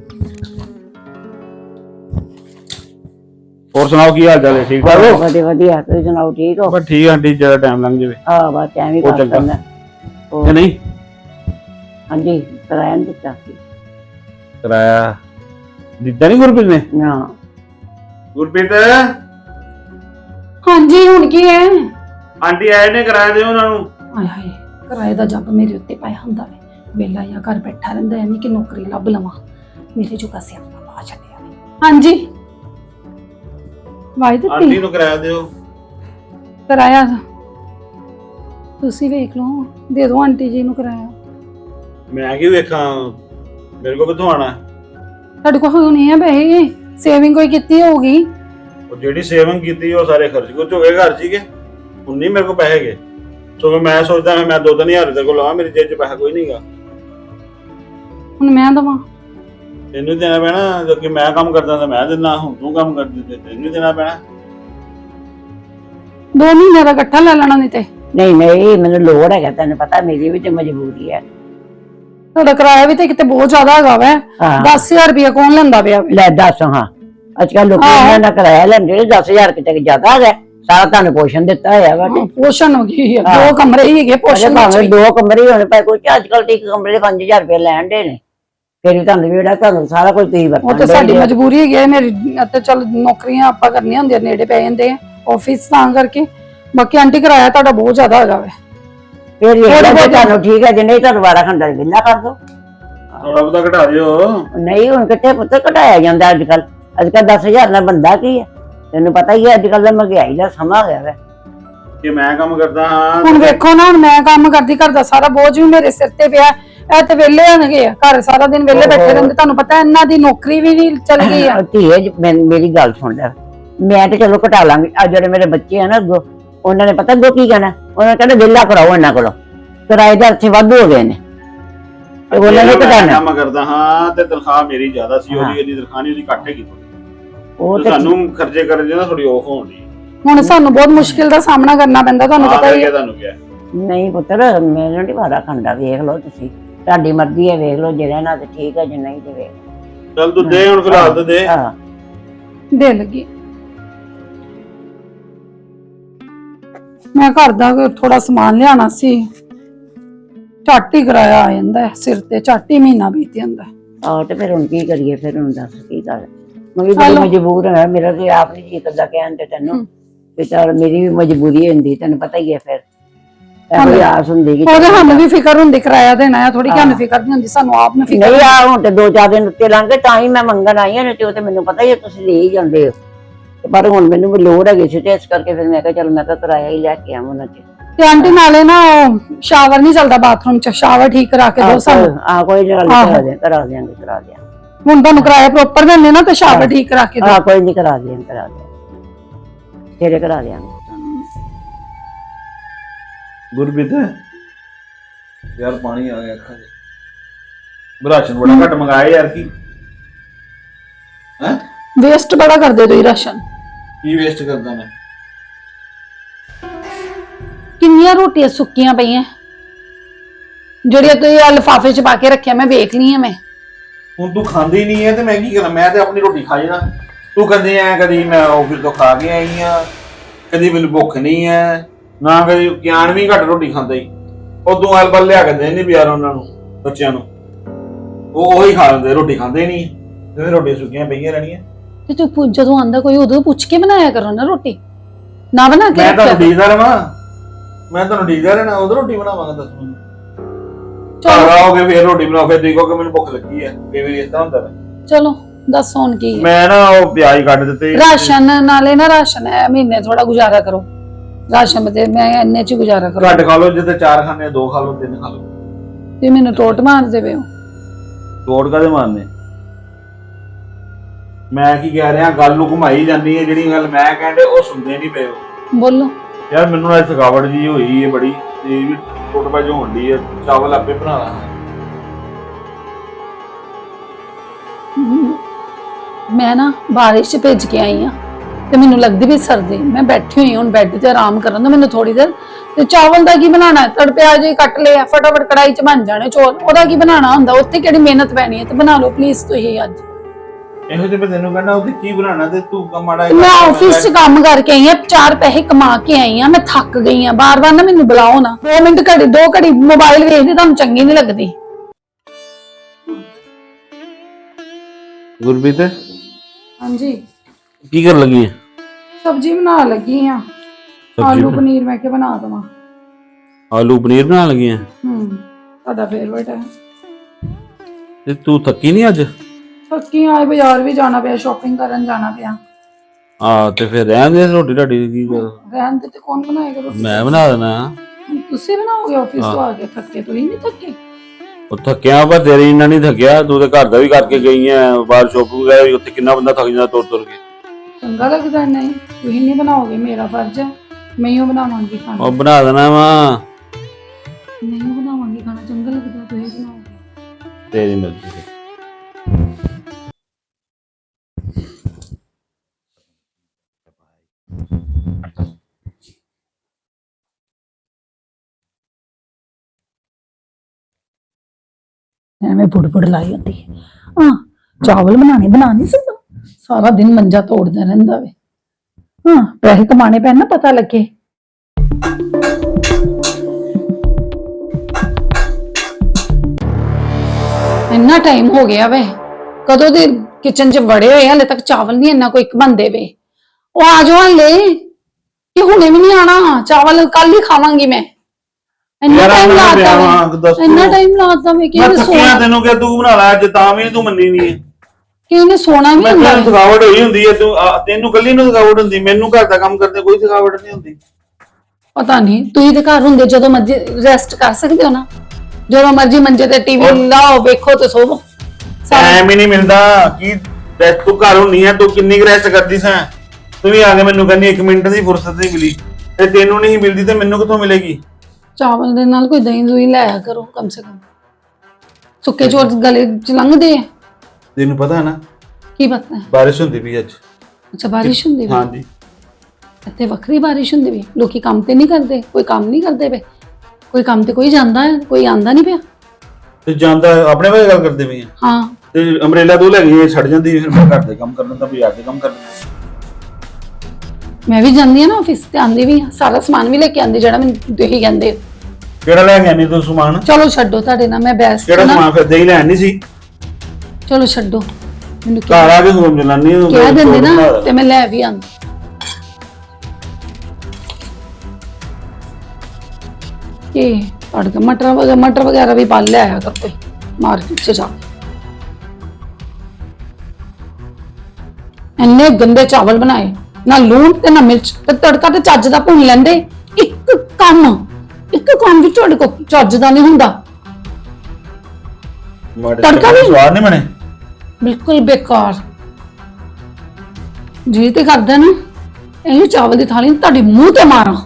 [SPEAKER 3] ਹੋਰ ਸੁਣਾਓ ਕੀ ਹਾਲ ਚਾਲ ਹੈ? ਠੀਕ ਠਾਕ ਹੋ?
[SPEAKER 2] ਵਧੀਆ ਵਧੀਆ, ਤੁਸੀਂ ਸੁਣਾਓ ਠੀਕ ਹੋ?
[SPEAKER 3] ਬਸ ਠੀਕ ਆਂਟੀ, ਜਿਆਦਾ ਟਾਈਮ ਲੰਘ ਜਾਵੇ
[SPEAKER 2] ਹਾਂ ਬਸ ਟਾਈਮ ਹੀ
[SPEAKER 3] ਉਹ
[SPEAKER 2] ਪਾਸ
[SPEAKER 3] ਚੰਗਾ।
[SPEAKER 2] ਕਰਨਾ।
[SPEAKER 3] ਕਿ
[SPEAKER 2] ਹੋਰ
[SPEAKER 3] ਨਹੀਂ?
[SPEAKER 2] ਹਾਂਜੀ ਕਰਾਇਆ ਨਹੀਂ ਦਿੱਤਾ ਸੀ
[SPEAKER 3] ਕਰਾਇਆ ਦਿੱਤਾ ਨਹੀਂ ਗੁਰਪ੍ਰੀਤ ਨੇ?
[SPEAKER 2] ਨਾ।
[SPEAKER 3] ਗੁਰਪ੍ਰੀਤ
[SPEAKER 1] हाँ जी हुण की है?
[SPEAKER 3] ਆਂਟੀ ਆਏ ਨੇ, ਕਰਾਇਆ ਦਿਓ ਉਹਨਾਂ ਨੂੰ।
[SPEAKER 1] ਆਏ ਹਾਏ, ਕਿਰਾਏ ਦਾ ਜੱਬ ਮੇਰੇ ਉੱਤੇ ਪਾਇਆ ਹੁੰਦਾ ਵੇ। ਵੇਲਾ ਜਾਂ ਘਰ ਬੈਠਾ ਰਹਿੰਦਾ, ਐ ਨਹੀਂ ਕਿ ਨੌਕਰੀ ਲੱਭ ਲਵਾਂ। ਮੇਰੇ ਜੋ ਕਾਸੇ ਆਪਣਾ ਪਾ ਛੱਡਿਆ ਵੇ। ਹਾਂਜੀ ਵਾਈ
[SPEAKER 3] ਆਂਟੀ
[SPEAKER 1] ਦਿੱਤੀ
[SPEAKER 3] ਨੂੰ ਕਰਾਇਆ ਦਿਓ।
[SPEAKER 1] ਕਿਰਾਇਆ ਤੁਸੀਂ ਵੇਖ ਲਓ, ਦੇ ਦਿਓ ਆਂਟੀ ਜੀ ਨੂੰ ਕਿਰਾਇਆ।
[SPEAKER 3] ਮੈਂ ਕੀ ਵੇਖਾਂ, ਮੇਰੇ ਕੋਲ ਕਿੱਥੋਂ ਆਣਾ?
[SPEAKER 1] ਤੁਹਾਡੇ ਕੋਲ ਹੋਣੇ ਆ ਪੈਸੇ, ਸੇਵਿੰਗ ਕੋਈ ਕੀਤੀ ਹੋਊਗੀ।
[SPEAKER 3] ਉਹ ਜਿਹੜੀ ਸੇਵਿੰਗ ਕੀਤੀ ਉਹ ਸਾਰੇ ਖਰਚ ਕੁਝ ਹੋ ਗਏ ਘਰ ਸੀਗੇ, ਹੁਣ ਨਹੀਂ ਮੇਰੇ ਕੋਲ ਪੈਸੇ ਗਏ। ਸੋ ਮੈਂ ਸੋਚਦਾ ਮੈਂ ਦੋ ਤਿੰਨ ਹਜ਼ਾਰ ਦੇ ਕੋਲ ਆ, ਮੇਰੀ ਜੇਬ 'ਚ ਪੈਸਾ ਕੋਈ ਨਹੀਂਗਾ।
[SPEAKER 1] ਹੁਣ ਮੈਂ ਦਵਾਂ?
[SPEAKER 3] ਤੈਨੂੰ ਦੇਣਾ ਪੈਣਾ, ਜੋ ਕਿ ਮੈਂ ਕੰਮ ਕਰਦਾ ਤਾਂ ਮੈਂ ਦਿੰਦਾ, ਹੁਣ ਤੂੰ ਕੰਮ ਕਰਦੀ ਤੇ ਤੈਨੂੰ ਦੇਣਾ ਪੈਣਾ।
[SPEAKER 1] ਦੋ ਮਹੀਨੇ ਦਾ ਇਕੱਠਾ ਲੈ ਲੈਣਾ ਨਹੀਂ ਤੇ।
[SPEAKER 2] ਨਹੀਂ ਨਹੀਂ, ਮੈਨੂੰ ਲੋੜ ਹੈਗਾ, ਤੈਨੂੰ ਪਤਾ ਮੇਰੀ ਵੀ ਤੇ ਮਜਬੂਰੀ ਹੈ।
[SPEAKER 1] ਤੁਹਾਡਾ ਕਿਰਾਇਆ ਵੀ ਤੇ ਕਿਤੇ ਬਹੁਤ ਜ਼ਿਆਦਾ ਹੈਗਾ ਵਾ।
[SPEAKER 2] ਹਾਂ
[SPEAKER 1] ਦਸ ਹਜ਼ਾਰ ਰੁਪਇਆ ਕੌਣ ਲੈਂਦਾ ਪਿਆ ਵੇ?
[SPEAKER 2] ਲੈ ਦੱਸ। ਹਾਂ ਅੱਜ ਕੱਲ ਲੋਕੀ
[SPEAKER 1] ਹਾਂ।
[SPEAKER 2] ਇਹਨਾਂ ਦਾ ਕਿਰਾਇਆ ਲੈਂਦੇ ਨੇ, ਦਸ ਹਜ਼ਾਰ ਕਿਤੇ ਜ਼ਿਆਦਾ ਹੈਗਾ। ਸਾਰਾ ਤੁਹਾਨੂੰ ਪੋਸ਼ਣ ਦਿੱਤਾ ਹੋਇਆ ਵਾ ਤੇ
[SPEAKER 1] ਪੋਸ਼ਣ ਹੋ ਗਈ ਹੈ, ਦੋ ਕਮਰੇ ਹੀ ਹੈਗੇ
[SPEAKER 2] ਅਜੇ
[SPEAKER 1] ਪੋਸ਼ਣ
[SPEAKER 2] ਭਾਵੇਂ
[SPEAKER 1] ਵਿੱਚ।
[SPEAKER 2] ਦੋ ਕਮਰੇ ਹੋਣ ਪਏ ਕੋਈ ਅੱਜ ਕੱਲ ਤੇ ਇੱਕ ਕਮਰੇ ਦੇ ਪੰਜ ਹਜ਼ਾਰ ਰੁਪਏ ਲੈਣ ਦੇ ਨੇ ਫਿਰ ਵੀ ਤੁਹਾਨੂੰ ਜਿਹੜਾ ਤੁਹਾਨੂੰ ਸਾਰਾ ਕੁਝ ਤੁਸੀਂ
[SPEAKER 1] ਉਹ
[SPEAKER 2] ਵਰਤਣ
[SPEAKER 1] ਤੇ ਸਾਡੀ
[SPEAKER 2] ਦੇ
[SPEAKER 1] ਮਜਬੂਰੀ ਹੈਗੀ ਹੈ, ਮੇਰੀ ਤੇ ਚਲ ਨੌਕਰੀਆਂ ਆਪਾਂ ਕਰਨੀਆਂ ਹੁੰਦੀਆਂ, ਨੇੜੇ ਪੈ ਜਾਂਦੇ ਆ ਆਫਿਸ ਤਾਂ ਕਰਕੇ। ਬਾਕੀ ਆਂਟੀ ਕਿਰਾਇਆ ਤੁਹਾਡਾ ਬਹੁਤ ਜ਼ਿਆਦਾ ਹੈਗਾ ਵੇ।
[SPEAKER 2] ਫਿਰ ਵੀ
[SPEAKER 1] ਥੋੜ੍ਹਾ
[SPEAKER 2] ਜੇ
[SPEAKER 1] ਬਹੁਤ-
[SPEAKER 2] ਤੁਹਾਨੂੰ ਠੀਕ ਹੈ ਜੇ ਨਹੀਂ ਤੁਹਾਨੂੰ ਬਾਰਾਂ ਘੰਟਾ ਵਿਹਲਾ ਕਰ ਦੋ।
[SPEAKER 3] ਥੋੜਾ ਬਹੁਤਾ ਘਟਾ ਦਿਓ।
[SPEAKER 2] ਨਹੀਂ ਹੁਣ ਕਿੱਥੇ ਪੁੱਤ ਘਟਾਇਆ ਜਾਂਦਾ ਅੱਜ ਕੱਲ ਅੱਜ ਕੱਲ ਦਸ ਹਜ਼ਾਰ ਨਾਲ ਬੰਦਾ ਕੀ ਹੈ ਤੈਨੂੰ ਪਤਾ ਹੀ ਹੈ ਅੱਜ ਕੱਲ ਦਾ ਮਹਿੰਗਾਈ ਦਾ ਸਮਾਂ ਹੋ ਗਿਆ ਵਾ।
[SPEAKER 3] ਕਿ ਮੈਂ ਕੰਮ ਕਰਦਾ ਹਾਂ
[SPEAKER 1] ਹੁਣ ਵੇਖੋ ਨਾ, ਹੁਣ ਮੈਂ ਕੰਮ ਕਰਦੀ, ਘਰ ਦਾ ਸਾਰਾ ਬੋਝ ਵੀ ਮੇਰੇ ਸਿਰ ਤੇ ਪਿਆ। ਇਹ ਤੇ ਵਿਹਲੇ ਹੋਣਗੇ ਆ, ਘਰ ਸਾਰਾ ਦਿਨ ਵਿਹਲੇ ਬੈਠੇ ਰਹਿੰਦੇ। ਤੁਹਾਨੂੰ ਪਤਾ ਇਹਨਾਂ ਦੀ ਨੌਕਰੀ ਵੀ ਨਹੀਂ ਚੱਲ ਗਈ ਆ।
[SPEAKER 2] ਧੀਏ ਜੀ, ਮੈਂ- ਮੇਰੀ ਗੱਲ ਸੁਣ ਲੈ, ਮੈਂ ਤੇ ਚਲੋ ਘਟਾ ਲਾਂਗੀ। ਆ ਜਿਹੜੇ ਮੇਰੇ ਬੱਚੇ ਆ ਨਾ ਅੱਗੋਂ, ਉਹਨਾਂ ਨੇ ਪਤਾ ਅੱਗੋਂ ਕੀ ਕਹਿਣਾ, ਉਹਨਾਂ ਨੇ ਕਹਿੰਦੇ ਵਿਹਲਾ ਕਰਾਓ ਇਹਨਾਂ ਕੋਲੋਂ, ਕਿਰਾਏਦਾਰ ਇੱਥੇ ਵਾਧੂ ਹੋ ਗਏ ਨੇ ਤੇ ਉਹਨਾਂ ਨੇ
[SPEAKER 3] ਜੇ ਮੈਂ
[SPEAKER 2] ਘਟਾਣਾ।
[SPEAKER 3] ਕੰਮ ਕਰਦਾ ਹਾਂ ਤੇ ਤਨਖਾਹ ਮੇਰੀ ਜ਼ਿਆਦਾ ਸੀ, ਉਹਦੀ ਇਹਦੀ ਤਨਖਾਹ ਨਹੀਂ, ਉਹਦੀ ਘੱਟ ਹੈਗੀ ਥੋੜੀ।
[SPEAKER 2] ਉਹ
[SPEAKER 3] ਤੇ
[SPEAKER 2] ਤੇ
[SPEAKER 3] ਸਾਨੂੰ ਖਰਚੇ ਕਰਨ ਦੇ ਨਾ ਥੋੜੀ ਔਖ ਹੋਣੀ।
[SPEAKER 1] ਹੁਣ ਸਾਨੂੰ ਬਹੁਤ ਮੁਸ਼ਕਿਲ ਦਾ ਸਾਹਮਣਾ ਕਰਨਾ ਪੈਂਦਾ, ਤੁਹਾਨੂੰ ਪਤਾ ਹੀ ਹੈ।
[SPEAKER 3] ਤੁਹਾਨੂੰ ਕਿਹਾ
[SPEAKER 2] ਨਹੀਂ ਪੁੱਤਰ, ਮੈਨੂੰ ਨਹੀਂ ਪਤਾ ਖੰਡਾ, ਵੇਖ ਲਓ ਤੁਸੀਂ, ਤੁਹਾਡੀ ਮਰਜ਼ੀ ਹੈ, ਵੇਖ ਲਓ ਜੇ ਰਹਿਣਾ ਤੇ ਠੀਕ ਹੈ, ਜੇ ਨਹੀਂ ਤੇ ਵੇਖ
[SPEAKER 3] ਚੱਲ ਤੂੰ ਦੇ ਹੁਣ ਫਿਲਹਾਲ ਤੇ ਦੇ।
[SPEAKER 2] ਹਾਂ
[SPEAKER 1] ਦੇ ਲੱਗੀ ਮੈਂ ਘਰ ਦਾ ਥੋੜਾ ਸਮਾਨ ਲਿਆਣਾ ਸੀ, ਝੱਟ ਹੀ ਕਿਰਾਇਆ ਆ ਜਾਂਦਾ ਹੈ ਸਿਰ ਤੇ, ਝੱਟ ਹੀ ਮਹੀਨਾ ਬੀਤ ਜਾਂਦਾ ਹੈ।
[SPEAKER 2] ਆਹ ਤੇ ਫਿਰ ਹੁਣ ਕੀ ਕਰੀਏ, ਫਿਰ ਹੁਣ ਦੱਸ ਕੀ ਕਰ। ਮੈਂ ਵੀ ਬੜੀ ਮਜਬੂਰ ਹਾਂ, ਮੇਰਾ ਤੇ ਆਪ ਨਹੀਂ ਜੀ ਕਰਦਾ ਕਹਿਣ ਤੇ ਤੈਨੂੰ ਤੇ ਚੱਲ ਮੇਰੀ ਵੀ ਮਜਬੂਰੀ ਹੁੰਦੀ, ਤੈਨੂੰ ਪਤਾ ਹੀ ਹੈ। ਫਿਰ ਇਹੋ ਆਸ ਹੁੰਦੀ ਕਿ
[SPEAKER 1] ਉਹਦੇ ਸਾਨੂੰ ਵੀ ਫਿਕਰ ਹੁੰਦੀ, ਕਿਰਾਇਆ ਦੇਣਾ ਹੈ, ਥੋੜੀ ਕਿਹਨੂੰ ਫਿਕਰ ਨਹੀਂ ਹੁੰਦੀ, ਸਾਨੂੰ ਆਪ ਨੂੰ ਫਿਕਰ।
[SPEAKER 2] ਨਹੀਂ ਆ ਹੁਣ ਤੇ ਦੋ ਚਾਰ ਦਿਨ ਉੱਤੇ ਲੰਘ ਗਏ ਤਾਂ ਹੀ ਮੈਂ ਮੰਗਣ ਆਈ ਹਾਂ, ਨਹੀਂ ਤੇ ਉਹ ਤੇ ਮੈਨੂੰ ਪਤਾ ਹੀ ਹੈ ਤੁਸੀਂ ਲੈ ਹੀ ਜਾਂਦੇ ਹੋ। ਪਰ ਹੁਣ ਮੈਨੂੰ ਵੀ ਲੋੜ ਹੈਗੀ ਸੀ ਤੇ ਇਸ ਕਰਕੇ ਫਿਰ ਮੈਂ ਕਿਹਾ ਚੱਲ ਮੈਂ ਤਾਂ ਕਿਰਾਇਆ ਹੀ ਲੈ ਕੇ ਆਵਾਂ ਉਹਨਾਂ ਚ।
[SPEAKER 1] ਤੇ ਆਂਟੀ ਨਾਲੇ ਨਾ ਸ਼ਾਵਰ ਨਹੀਂ ਚੱਲਦਾ ਬਾਥਰੂਮ ਚ, ਸ਼ਾਵਰ ਠੀਕ ਕਰਾ ਕੇ ਦਿਓ ਸਾਨੂੰ।
[SPEAKER 2] ਆ ਕੋਈ ਗੱਲ ਨਹੀਂ, ਕਰਾ ਦੇ ਕਰਾ ਦਿਆਂਗੇ ਕਰਾ ਦਿਆਂਗੇ।
[SPEAKER 1] ਹੁਣ ਤੁਹਾਨੂੰ ਕਿਰਾਇਆ ਪ੍ਰੋਪਰ ਦਿੰਦੇ ਨਾ, ਤੇ ਸ਼ਾਵਰ ਠੀਕ ਕਰਾ ਕੇ ਦਿਓ।
[SPEAKER 2] ਆ ਕੋਈ ਨਹੀਂ, ਕਰਾ ਦਿਆਂਗੇ ਕਰਾ ਦਿਆਂਗੇ ਤੇਰੇ ਕਰਾ ਦਿਆਂਗੇ।
[SPEAKER 3] ਗੁਰਬੀਤ ਯਾਰ ਪਾਣੀ ਆ ਗਿਆ ਅੱਖਾਂ 'ਚ। ਰਾਸ਼ਨ ਬੜਾ ਘੱਟ ਮੰਗਾਇਆ ਯਾਰ, ਕੀ ਹੈ
[SPEAKER 1] ਵੇਸਟ ਬੜਾ ਕਰਦੇ ਤੁਸੀਂ ਰਾਸ਼ਨ।
[SPEAKER 3] ਕੀ ਵੇਸਟ ਕਰਦਾ ਮੈਂ?
[SPEAKER 1] ਕਿੰਨੀਆਂ ਰੋਟੀਆਂ ਸੁੱਕੀਆਂ ਪਈਆਂ ਜਿਹੜੀਆਂ ਤੁਸੀਂ ਆ ਲਿਫਾਫੇ ਚ ਪਾ ਕੇ ਰੱਖਿਆ, ਮੈਂ ਵੇਖ ਲਈਆਂ। ਮੈਂ
[SPEAKER 3] ਹੁਣ ਤੂੰ ਖਾਂਦੀ ਨਹੀਂ ਹੈ ਤੇ ਮੈਂ ਕੀ ਕਰਾਂ? ਮੈਂ ਤੇ ਆਪਣੀ ਰੋਟੀ ਖਾ ਜਾਣਾ। ਤੂੰ ਕਦੇ ਐ ਕਦੀ ਮੈਂ ਆਫਿਸ ਤੋਂ ਖਾ ਕੇ ਆਈ ਆ, ਕਦੀ ਮੈਨੂੰ ਭੁੱਖ ਨਹੀਂ ਹੈ ਨਾ, ਕਦੀ ਗਿਆਨ ਵੀ ਘੱਟ ਰੋਟੀ ਖਾਂਦਾ ਹੀ। ਉਦੋਂ ਆਲ ਬੱਲ ਲਿਆ ਕੇ ਦੇਣੀ ਪਿਆਰ ਉਹਨਾਂ ਨੂੰ, ਬੱਚਿਆਂ ਨੂੰ, ਉਹ ਉਹੀ ਖਾ ਲੈਂਦੇ, ਰੋਟੀ ਖਾਂਦੇ ਨਹੀਂ ਤੇ ਰੋਟੀਆਂ ਸੁੱਕੀਆਂ ਪਈਆਂ ਰਹਿਣੀਆਂ।
[SPEAKER 1] ਤੇ ਤੂੰ ਪੁੱਛ- ਜਦੋਂ ਆਂਦਾ ਕੋਈ ਉਦੋਂ ਪੁੱਛ ਕੇ ਬਣਾਇਆ ਕਰੋ ਨਾ ਰੋਟੀ, ਨਾ ਬਣਾ ਕੇ
[SPEAKER 3] ਮੈਂ
[SPEAKER 1] ਰੱਖਿਆ
[SPEAKER 3] ਤੁਹਾਨੂੰ ਡੀਕਦਾ ਰਵਾਂ, ਮੈਂ ਤੁਹਾਨੂੰ ਡੀਕਦਾ ਰਹਿਣਾ, ਉਦੋਂ ਰੋਟੀ ਬਣਾਵਾਂਗਾ। ਦੱਸ ਮੈਨੂੰ
[SPEAKER 1] ਚਲੋ
[SPEAKER 3] ਆਓਗੇ ਫੇਰ ਰੋਟੀ ਬਣਾਓ, ਫਿਰ ਦੇਖੋ ਕਿ ਮੈਨੂੰ ਭੁੱਖ ਲੱਗੀ ਹੈ। ਕਈ ਵਾਰੀ ਇਸ ਤਰ੍ਹਾਂ ਹੁੰਦਾ ਵਾ।
[SPEAKER 1] ਚਲੋ ਦੱਸੋ ਹੁਣ ਕੀ ਹੈ।
[SPEAKER 3] ਮੈਂ ਨਾ ਉਹ ਪਿਆਜ਼ ਕੱਟ ਦਿੱਤੇ।
[SPEAKER 1] ਰਾਸ਼ਨ ਨਾਲੇ ਨਾ, ਰਾਸ਼ਨ ਹੈ ਮਹੀਨੇ ਥੋੜਾ ਗੁਜ਼ਾਰਾ ਕਰੋ, ਰਾਸ਼ਨ ਤੇ ਮੈਂ ਇੰਨੇ ਚ ਗੁਜ਼ਾਰਾ ਕਰੋ।
[SPEAKER 3] ਘੱਟ ਖਾ ਲਓ, ਜਿੱਤੇ ਚਾਰ ਖਾਣੇ ਦੋ ਖਾ ਲਓ, ਤਿੰਨ ਖਾ ਲਓ।
[SPEAKER 1] ਤੇ ਮੈਨੂੰ ਟੋਟ ਮਾਰ ਦੇਵੇ ਹੋ।
[SPEAKER 3] ਤੋੜ ਕਾਦੇ ਮਾਰਨੇ? ਮੈਂ ਕੀ ਕਹਿ ਰਿਹਾ, ਗੱਲ ਨੂੰ ਘੁਮਾਈ ਜਾਂਦੀ ਹੈ। ਜਿਹੜੀ ਗੱਲ ਮੈਂ ਕਹਿੰਦੇ ਉਹ ਸੁਣਦੇ ਨਹੀਂ ਪਏ ਹੋ।
[SPEAKER 1] ਬੋਲੋ।
[SPEAKER 3] ਯਾਰ ਮੈਨੂੰ ਅੱਜ ਥਕਾਵਟ ਜੀ ਹੋਈ ਹੈ ਬੜੀ, ਤੇ ਵੀ ਟੁੱਟ ਪੈ ਜੋ ਹੁੰਦੀ ਹੈ। ਚਾਵਲ ਆਪੇ ਬਣਾ ਲਾ।
[SPEAKER 1] ਮੈਂ ਨਾ ਬਾਰਿਸ਼ ਚ ਭੇਜ ਕੇ ਆਈ ਆ ਤੇ ਮੈਨੂੰ ਲੱਗਦੀ ਵੀ ਸਰਦੀ, ਮੈਂ ਬੈਠੀ ਹੋਈ ਹੁਣ ਬੈੱਡ ਤੇ ਆਰਾਮ ਕਰਨ ਦਾ ਮੈਨੂੰ ਥੋੜੀ ਦੇਰ। ਤੇ ਚਾਵਲ ਦਾ ਕੀ ਬਣਾਉਣਾ ਹੈ, ਤੜਪੇ ਆ ਜੇ ਕੱਟ ਲਿਆ, ਫਟਾਫਟ ਕੜਾਈ ਚ ਬਣ ਜਾਣੇ ਚੌਲ। ਉਹਦਾ ਕੀ ਬਣਾਉਣਾ ਹੁੰਦਾ, ਉੱਥੇ ਕਿਹੜੀ ਮਿਹਨਤ ਪੈਣੀ ਹੈ। ਤੇ ਬਣਾ ਲਓ ਪਲੀਜ਼ ਤੁਸੀਂ ਅੱਜ।
[SPEAKER 3] ਇਹੋ ਜਿਹੇ ਮੈਂ ਤੈਨੂੰ ਕਹਿੰਦਾ ਉਹਦੇ ਕੀ ਬਣਾਉਣਾ, ਤੇ ਤੂੰ ਮਾੜਾ
[SPEAKER 1] ਮੈਂ ਆਫਿਸ ਚ ਕੰਮ ਕਰਕੇ ਆਈ ਆ, ਚਾਰ ਪੈਸੇ ਕਮਾ ਕੇ ਆਈ ਆ, ਮੈਂ ਥੱਕ ਗਈ ਆ। ਬਾਰ ਬਾਰ ਨਾ ਮੈਨੂੰ ਬੁਲਾਓ ਨਾ, ਦੋ ਮਿੰਟ ਘੜੀ ਦੋ ਘੜੀ ਮੋਬਾਈਲ ਵੇਖਦੀ ਤੁਹਾਨੂੰ ਚੰਗੀ ਨਹੀਂ ਲੱਗਦੀ।
[SPEAKER 3] ਗੁਰਬੀਤ
[SPEAKER 1] ਹਾਂਜੀ
[SPEAKER 3] ਕੀ ਕਰਨ ਲੱਗੀ ਹੈ?
[SPEAKER 1] ਸਬਜ਼ੀ ਬਣਾ ਲੱਗੀ ਆ, ਆਲੂ ਪਨੀਰ ਮੈਂ ਕਿ ਬਣਾ ਦਵਾਂ।
[SPEAKER 3] ਆਲੂ ਪਨੀਰ ਬਣਾਉਣ ਲੱਗੀ ਹੈ?
[SPEAKER 1] ਹੂੰ, ਤੁਹਾਡਾ ਫੇਵਰਟ ਹੈ।
[SPEAKER 3] ਤੇ ਤੂੰ ਥੱਕੀ ਨਹੀਂ ਅੱਜ?
[SPEAKER 1] ਥੱਕੀ ਆਏ, ਬਾਜ਼ਾਰ ਵੀ ਜਾਣਾ ਪਿਆ, ਸ਼ਾਪਿੰਗ ਕਰਨ ਜਾਣਾ ਪਿਆ।
[SPEAKER 3] ਆ ਤੇ ਫਿਰ ਰਹਿਣ ਦੇ ਰੋਟੀ ਢਾਡੀ ਕੀ ਕਰ।
[SPEAKER 1] ਰਹਿਣ ਦੇ ਤੇ ਕੌਣ ਬਣਾਏਗਾ ਰੋਟੀ?
[SPEAKER 3] ਮੈਂ ਬਣਾ ਦੇਣਾ।
[SPEAKER 1] ਤੁਸੀਂ ਬਣਾਓਗੇ? ਆਫਿਸ ਤੋਂ ਆ ਕੇ ਥੱਕੇ, ਤੁਸੀਂ ਨਹੀਂ ਥੱਕੇ?
[SPEAKER 3] ਉਹ ਥੱਕਿਆ ਪਰ ਤੇਰੀ ਇੰਨਾ ਨਹੀਂ ਥੱਕਿਆ। ਤੂੰ ਤੇ ਘਰ ਦਾ ਵੀ ਕਰਕੇ ਗਈ ਐ, ਬਾਹਰ ਸ਼ੋਪਿੰਗ ਗਈ, ਉੱਥੇ ਕਿੰਨਾ ਬੰਦਾ ਥੱਕ ਜਾਂਦਾ ਤੁਰ ਤੁਰ ਕੇ।
[SPEAKER 1] ਚੰਗਾ ਲੱਗਦਾ ਨਹੀਂ? ਤੁਸੀਂ ਨਹੀਂ ਬਣਾਓਗੇ, ਮੇਰਾ ਫਰਜ਼ ਹੈ, ਮੈਂ ਹੀ ਬਣਾਵਾਂਗੀ ਖਾਣਾ।
[SPEAKER 3] ਉਹ ਬਣਾ ਦੇਣਾ ਵਾ।
[SPEAKER 1] ਨਹੀਂ ਬਣਾਵਾਂਗੀ ਖਾਣਾ, ਚੰਗਾ ਲੱਗਦਾ ਤੁਸੀਂ ਬਣਾਓਗੇ।
[SPEAKER 3] ਤੇਰੀ ਮਰਜ਼ੀ।
[SPEAKER 1] ਐਵੇਂ ਬੁੜਬੁੜ ਲਾਈ ਹੁੰਦੀ ਹੈ। ਹਾਂ, ਚਾਵਲ ਬਣਾਣੇ ਬਣਾ ਨਹੀਂ ਸਕਦਾ, ਸਾਰਾ ਦਿਨ ਮੰਜਾ ਤੋੜਦਾ ਰਹਿੰਦਾ ਵੇ। ਹਾਂ ਪੈਸੇ ਕਮਾਣੇ ਪੈਣ ਨਾ, ਪਤਾ ਲੱਗੇ। ਇੰਨਾ ਟਾਈਮ ਹੋ ਗਿਆ ਵੇ, ਕਦੋਂ ਦੇ ਕਿਚਨ 'ਚ ਵੜੇ ਹੋਏ, ਹਲੇ ਤੱਕ ਚਾਵਲ ਨਹੀਂ ਇੰਨਾ ਕੋਈ ਇੱਕ ਬਣਦੇ ਵੇ। ਉਹ ਆ ਜਾਓ ਹਲੇ, ਕਿ ਹੁਣੇ ਵੀ ਨਹੀਂ ਆਣਾ। ਚਾਵਲ ਕੱਲ ਹੀ ਖਾਵਾਂਗੀ ਮੈਂ। ਇੰਨਾ
[SPEAKER 3] ਯਾਰ
[SPEAKER 1] ਟਾਈਮ
[SPEAKER 3] ਮੈਂ
[SPEAKER 1] ਲਾਤਾ
[SPEAKER 3] ਵਿਆਹਾਂ,
[SPEAKER 1] ਵੇ,
[SPEAKER 3] ਦੱਸ
[SPEAKER 1] ਇੰਨਾ
[SPEAKER 3] ਤੂੰ।
[SPEAKER 1] ਟਾਈਮ ਲਾਤਾ ਵੇ ਕਿ
[SPEAKER 3] ਮੈਂ
[SPEAKER 1] ਇਹਨੇ
[SPEAKER 3] ਥੱਕਿਆ
[SPEAKER 1] ਸੋਣਾ,
[SPEAKER 3] ਤੈਨੂੰ ਕਿ ਤੂੰ ਬਣਾ ਲੈ ਅੱਜ, ਤਾਂ ਵੀ ਤੂੰ ਮੰਨੀ ਨਹੀਂ ਹੈ।
[SPEAKER 1] ਕਿ ਇਹਨੇ ਸੋਣਾ ਵੀ
[SPEAKER 3] ਮੈਂ
[SPEAKER 1] ਹੁੰਦਾ
[SPEAKER 3] ਤੈਨੂੰ
[SPEAKER 1] ਵੇ।
[SPEAKER 3] ਥਕਾਵਟ ਹੋਈ ਹੁੰਦੀ ਹੈ, ਤੂੰ ਆ, ਤੈਨੂੰ ਕੱਲੀ ਨੂੰ ਥਕਾਵਟ ਹੁੰਦੀ, ਮੈਨੂੰ ਘਰ ਦਾ ਕੰਮ ਕਰਦੇ ਕੋਈ ਥਕਾਵਟ ਨਹੀਂ ਹੁੰਦੀ।
[SPEAKER 1] ਪਤਾ ਨਹੀਂ, ਤੁਸੀਂ ਤੇ ਘਰ ਹੁੰਦੇ ਜਦੋਂ ਮਰਜ਼ੀ ਰੈਸਟ ਕਰ ਸਕਦੇ ਹੋ ਨਾ, ਜਦੋਂ ਮਰਜ਼ੀ ਮੰਜੇ ਤੇ ਟੀਵੀ ਲਾਓ, ਵੇਖੋ ਤੇ ਸੋਵੋ।
[SPEAKER 3] ਟਾਈਮ ਹੀ ਨਹੀਂ ਮਿਲਦਾ। ਕੀ ਰੈਸਟ ਤੂੰ ਘਰ ਹੁੰਨੀ ਆ, ਤੂੰ ਕਿੰਨੀ ਕੁ ਰੈਸਟ ਕਰਦੀ ਸਾਂ? ਤੂੰ ਵੀ ਆ ਕੇ ਮੈਨੂੰ ਕਹਿੰਦੀ ਇੱਕ ਮਿੰਟ ਦੀ ਫੁਰਸਤ ਨਹੀਂ ਮਿਲੀ, ਤੇ ਤੈਨੂੰ ਨਹੀਂ ਮਿਲਦੀ ਤੇ ਮੈਨੂੰ ਕਿੱਥੋਂ ਮਿਲੇਗੀ?
[SPEAKER 1] ਚਾਵਲ ਦੇ ਨਾਲ ਕੋਈ ਦਹੀਂ ਦੂਈ ਲਾਇਆ ਕਰੋ ਕਮ ਸੇ ਕਮ, ਸੁੱਕੇ ਚੌਲ ਗਲੇ ਚ ਲੰਘਦੇ ਆ।
[SPEAKER 3] ਤੈਨੂੰ ਪਤਾ ਹੈ ਨਾ
[SPEAKER 1] ਕੀ ਪਤਾ ਹੈ?
[SPEAKER 3] ਬਾਰਿਸ਼ ਹੁੰਦੀ ਵੀ ਅੱਜ।
[SPEAKER 1] ਅੱਛਾ ਬਾਰਿਸ਼ ਹੁੰਦੀ ਵੀ?
[SPEAKER 3] ਹਾਂਜੀ।
[SPEAKER 1] ਇੱਥੇ ਵੱਖਰੀ ਬਾਰਿਸ਼ ਹੁੰਦੀ ਵੀ, ਲੋਕੀ ਕੰਮ ਤੇ ਨਹੀਂ ਕਰਦੇ, ਕੋਈ ਕੰਮ ਨਹੀਂ ਕਰਦੇ ਵੇ, ਕੋਈ ਕੰਮ ਤੇ ਕੋਈ ਜਾਂਦਾ ਹੈ, ਕੋਈ ਆਂਦਾ ਨਹੀਂ ਪਿਆ।
[SPEAKER 3] ਤੇ ਜਾਂਦਾ ਆਪਣੇ ਬਾਰੇ ਗੱਲ ਕਰਦੇ ਵੀ ਆ।
[SPEAKER 1] ਹਾਂ
[SPEAKER 3] ਤੇ ਅੰਬਰੇਲਾ ਤੂੰ ਲੈ ਗਈ ਛੱਡ ਜਾਂਦੀ, ਫਿਰ ਮੈਂ ਘਰ ਦੇ ਕੰਮ ਕਰਨਾ ਤਾਂ ਬਾਜ਼ਾਰ ਦੇ ਕੰਮ ਕਰਨਾ।
[SPEAKER 1] ਮੈਂ ਵੀ ਜਾਂਦੀ ਆ ਨਾ ਆਫਿਸ ਤੇ, ਆਂਦੀ ਵੀ ਆ, ਸਾਰਾ ਸਮਾਨ ਵੀ ਲੈ ਕੇ ਆਂਦੀ ਜਿਹੜਾ ਮੈਨੂੰ ਤੁਸੀਂ ਕਹਿੰਦੇ ਹੋ।
[SPEAKER 3] ਕਿਹੜਾ ਲੈ ਗਿਆ ਨਹੀਂ ਤੂੰ ਸਮਾਨ?
[SPEAKER 1] ਚਲੋ ਛੱਡੋ, ਤੁਹਾਡੇ ਨਾਲ ਮੈਂ ਬੈਸ
[SPEAKER 3] ਕਿਹੜਾ ਸਮਾਨ ਫਿਰ ਦੇ ਹੀ ਲੈਣ ਨਹੀਂ ਸੀ?
[SPEAKER 1] ਚਲੋ ਛੱਡੋ, ਮੈਨੂੰ
[SPEAKER 3] ਘਰ ਆ ਕੇ ਹੁਕਮ ਜਲਾਨੀ ਨੂੰ
[SPEAKER 1] ਕਹਿ ਦਿੰਦੇ ਨਾ ਤੇ ਮੈਂ ਲੈ ਵੀ ਆਂਦੀ। ਇਹ ਤੜ ਕੇ ਮਟਰ ਵਗੈਰਾ ਮਟਰ ਵਗੈਰਾ ਵੀ ਪਾ ਲਿਆ ਕਰ ਕੋਈ ਮਾਰਕੀਟ ਚ ਜਾ ਕੇ। ਇੰਨੇ ਗੰਦੇ ਚਾਵਲ ਬਣਾਏ, ਨਾ ਲੂਣ ਤੇ ਨਾ ਮਿਰਚ, ਤੇ ਤੜਕਾ ਤੇ ਚੱਜ ਦਾ ਭੁੰਨ ਲੈਂਦੇ। ਇੱਕ ਕੰਮ ਇੱਕ ਕੰਮ ਵੀ ਤੁਹਾਡੇ ਕੋਲ ਚੱਜ ਦਾ ਨਹੀਂ ਹੁੰਦਾ। ਤੜਕਾ ਵੀ
[SPEAKER 3] ਸਵਾਦ ਨਹੀਂ ਬਣੇ,
[SPEAKER 1] ਬਿਲਕੁਲ ਬੇਕਾਰ। ਜੀ ਤੇ ਕਰਦਾ ਨਾ ਇਹ ਚਾਵਲ ਦੀ ਥਾਲੀ ਤੁਹਾਡੇ ਮੂੰਹ ਤੇ ਮਾਰਾਂ।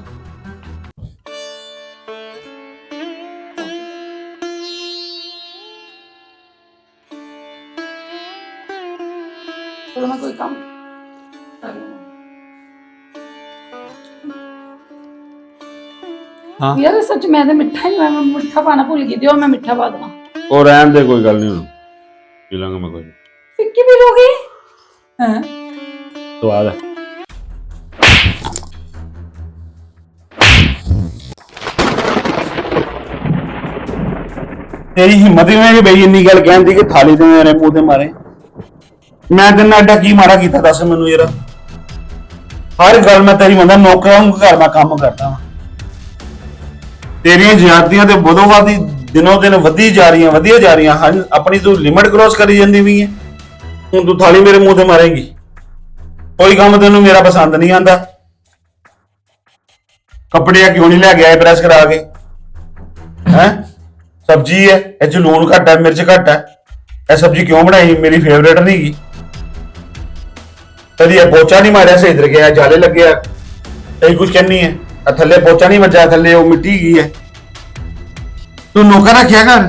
[SPEAKER 1] ਚਲੋ ਮੈਂ ਕੋਈ ਕੰਮ ਕਰ ਲਵਾਂ।
[SPEAKER 3] ਹਾਂ
[SPEAKER 1] ਯਾਰ ਸੱਚ ਮੈਂ ਤੇ ਮਿੱਠਾ ਹੀ ਮੈਂ ਮਿੱਠਾ ਪਾਣਾ ਭੁੱਲ ਗਈ, ਦਿਓ ਮੈਂ ਮਿੱਠਾ ਪਾ ਦੇਵਾਂ।
[SPEAKER 3] ਉਹ ਰਹਿਣ ਦੇ, ਕੋਈ ਗੱਲ ਨਹੀਂ, ਹੁਣ ਪੀ ਲਾਂਗਾ ਮੈਂ ਕੋਈ।
[SPEAKER 1] ਫਿੱਕੀ ਪੀ ਲੋਗੇ? ਹਾਂ
[SPEAKER 3] ਸਵਾਦ ਹੈ। ਤੇਰੀ ਹਿੰਮਤ ਹੀ ਨਹੀਂ ਬਈ ਇੰਨੀ ਗੱਲ ਕਹਿੰਦੀ ਕਿ ਥਾਲੀ ਤੇ ਮੇਰੇ ਮੂੰਹ ਤੇ ਮਾਰੇ। ਮੈਂ ਤੈਨੂੰ ਐਡਾ ਕੀ ਮਾਰਾ ਕੀਤਾ ਦੱਸ ਮੈਨੂੰ ਯਾਰ? ਹਰ ਗੱਲ ਮੈਂ ਤੇਰੀ ਮੰਨਦਾ, ਨੌਕਰਾਂ ਨੂੰ ਘਰ ਮੈਂ ਕੰਮ ਕਰਦਾ ਵਾਂ। ਤੇਰੀਆਂ ਜ਼ਿਆਦਤੀਆਂ ਤੇ ਬਦੋ ਬਾਦੀ ਦਿਨੋਂ ਦਿਨ ਵਧੀ ਜਾ ਰਹੀਆਂ ਵਧੀਆ ਜਾ ਰਹੀਆਂ ਹਨ। ਆਪਣੀ ਤੂੰ ਲਿਮਟ ਕ੍ਰੋਸ ਕਰੀ ਜਾਂਦੀ ਵੀ ਹੈ। ਹੁਣ ਤੂੰ ਥਾਲੀ ਮੇਰੇ ਮੂੰਹ ਤੇ ਮਾਰੇਂਗੀ। ਕੋਈ ਕੰਮ ਤੈਨੂੰ ਮੇਰਾ ਪਸੰਦ ਨਹੀਂ ਆਂਦਾ। ਕੱਪੜੇ ਕਿਉਂ ਨਹੀਂ ਲੈ ਕੇ ਆਏ ਪ੍ਰੈਸ ਕਰਾ ਕੇ? ਹੈ ਸਬਜ਼ੀ ਹੈ, ਇਹ ਚ ਲੂਣ ਘੱਟ ਹੈ, ਮਿਰਚ ਘੱਟ ਹੈ, ਇਹ ਸਬਜ਼ੀ ਕਿਉਂ ਬਣਾਈ? ਮੇਰੀ ਫੇਵਰੇਟ ਨਹੀਂ ਗਈ। ਕਦੀ ਇਹ ਪੋਚਾ ਨਹੀਂ ਮਾਰਿਆ ਸਹੀ ਤਰੀਕੇ ਨਾਲ, ਜਾਲੇ ਲੱਗੇ ਆ, ਕਈ ਕੁਝ ਕਹਿੰਨੀ ਹੈ। ਆ ਥੱਲੇ ਪੋਚਾ ਨਹੀਂ ਵੱਜਾ, ਥੱਲੇ ਉਹ ਮਿੱਟੀ ਗਈ ਹੈ। ਤੂੰ ਨੌਕਰ ਰੱਖਿਆ ਘਰ?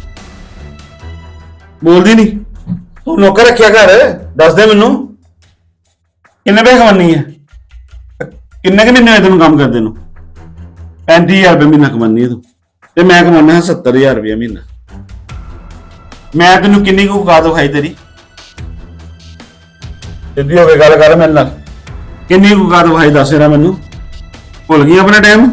[SPEAKER 3] ਬੋਲਦੀ ਨਹੀਂ ਤੂੰ? ਨੌਕਰ ਰੱਖਿਆ ਘਰ? ਦੱਸ ਦੇ ਮੈਨੂੰ ਕਿੰਨੇ ਪੈਸੇ ਕਮਾਨੀ ਹੈ? ਕਿੰਨੇ ਕੁ ਮਹੀਨੇ ਹੋਏ ਤੈਨੂੰ ਕੰਮ ਕਰਦੇ ਨੂੰ? ਪੈਂਤੀ ਹਜ਼ਾਰ ਰੁਪਏ ਮਹੀਨਾ ਕਮਾਨੀ ਹੈ ਤੂੰ, ਤੇ ਮੈਂ ਕਮਾਉਣਾ ਸੱਤਰ ਹਜ਼ਾਰ ਰੁਪਏ ਮਹੀਨਾ। ਮੈਂ ਤੈਨੂੰ ਕਿੰਨੀ ਕੁ ਔਕਾਤ ਵਿਖਾਈ ਤੇਰੀ? ਸਿੱਧੀ ਹੋ ਕੇ ਗੱਲ ਕਰ ਮੇਰੇ ਨਾਲ। ਕਿੰਨੀ ਕੁ ਔਕਾਤ ਵਿਖਾਈ ਦੱਸ ਰਿਹਾ ਮੈਨੂੰ? ਭੁੱਲ ਗਈ ਆਪਣਾ ਟਾਈਮ?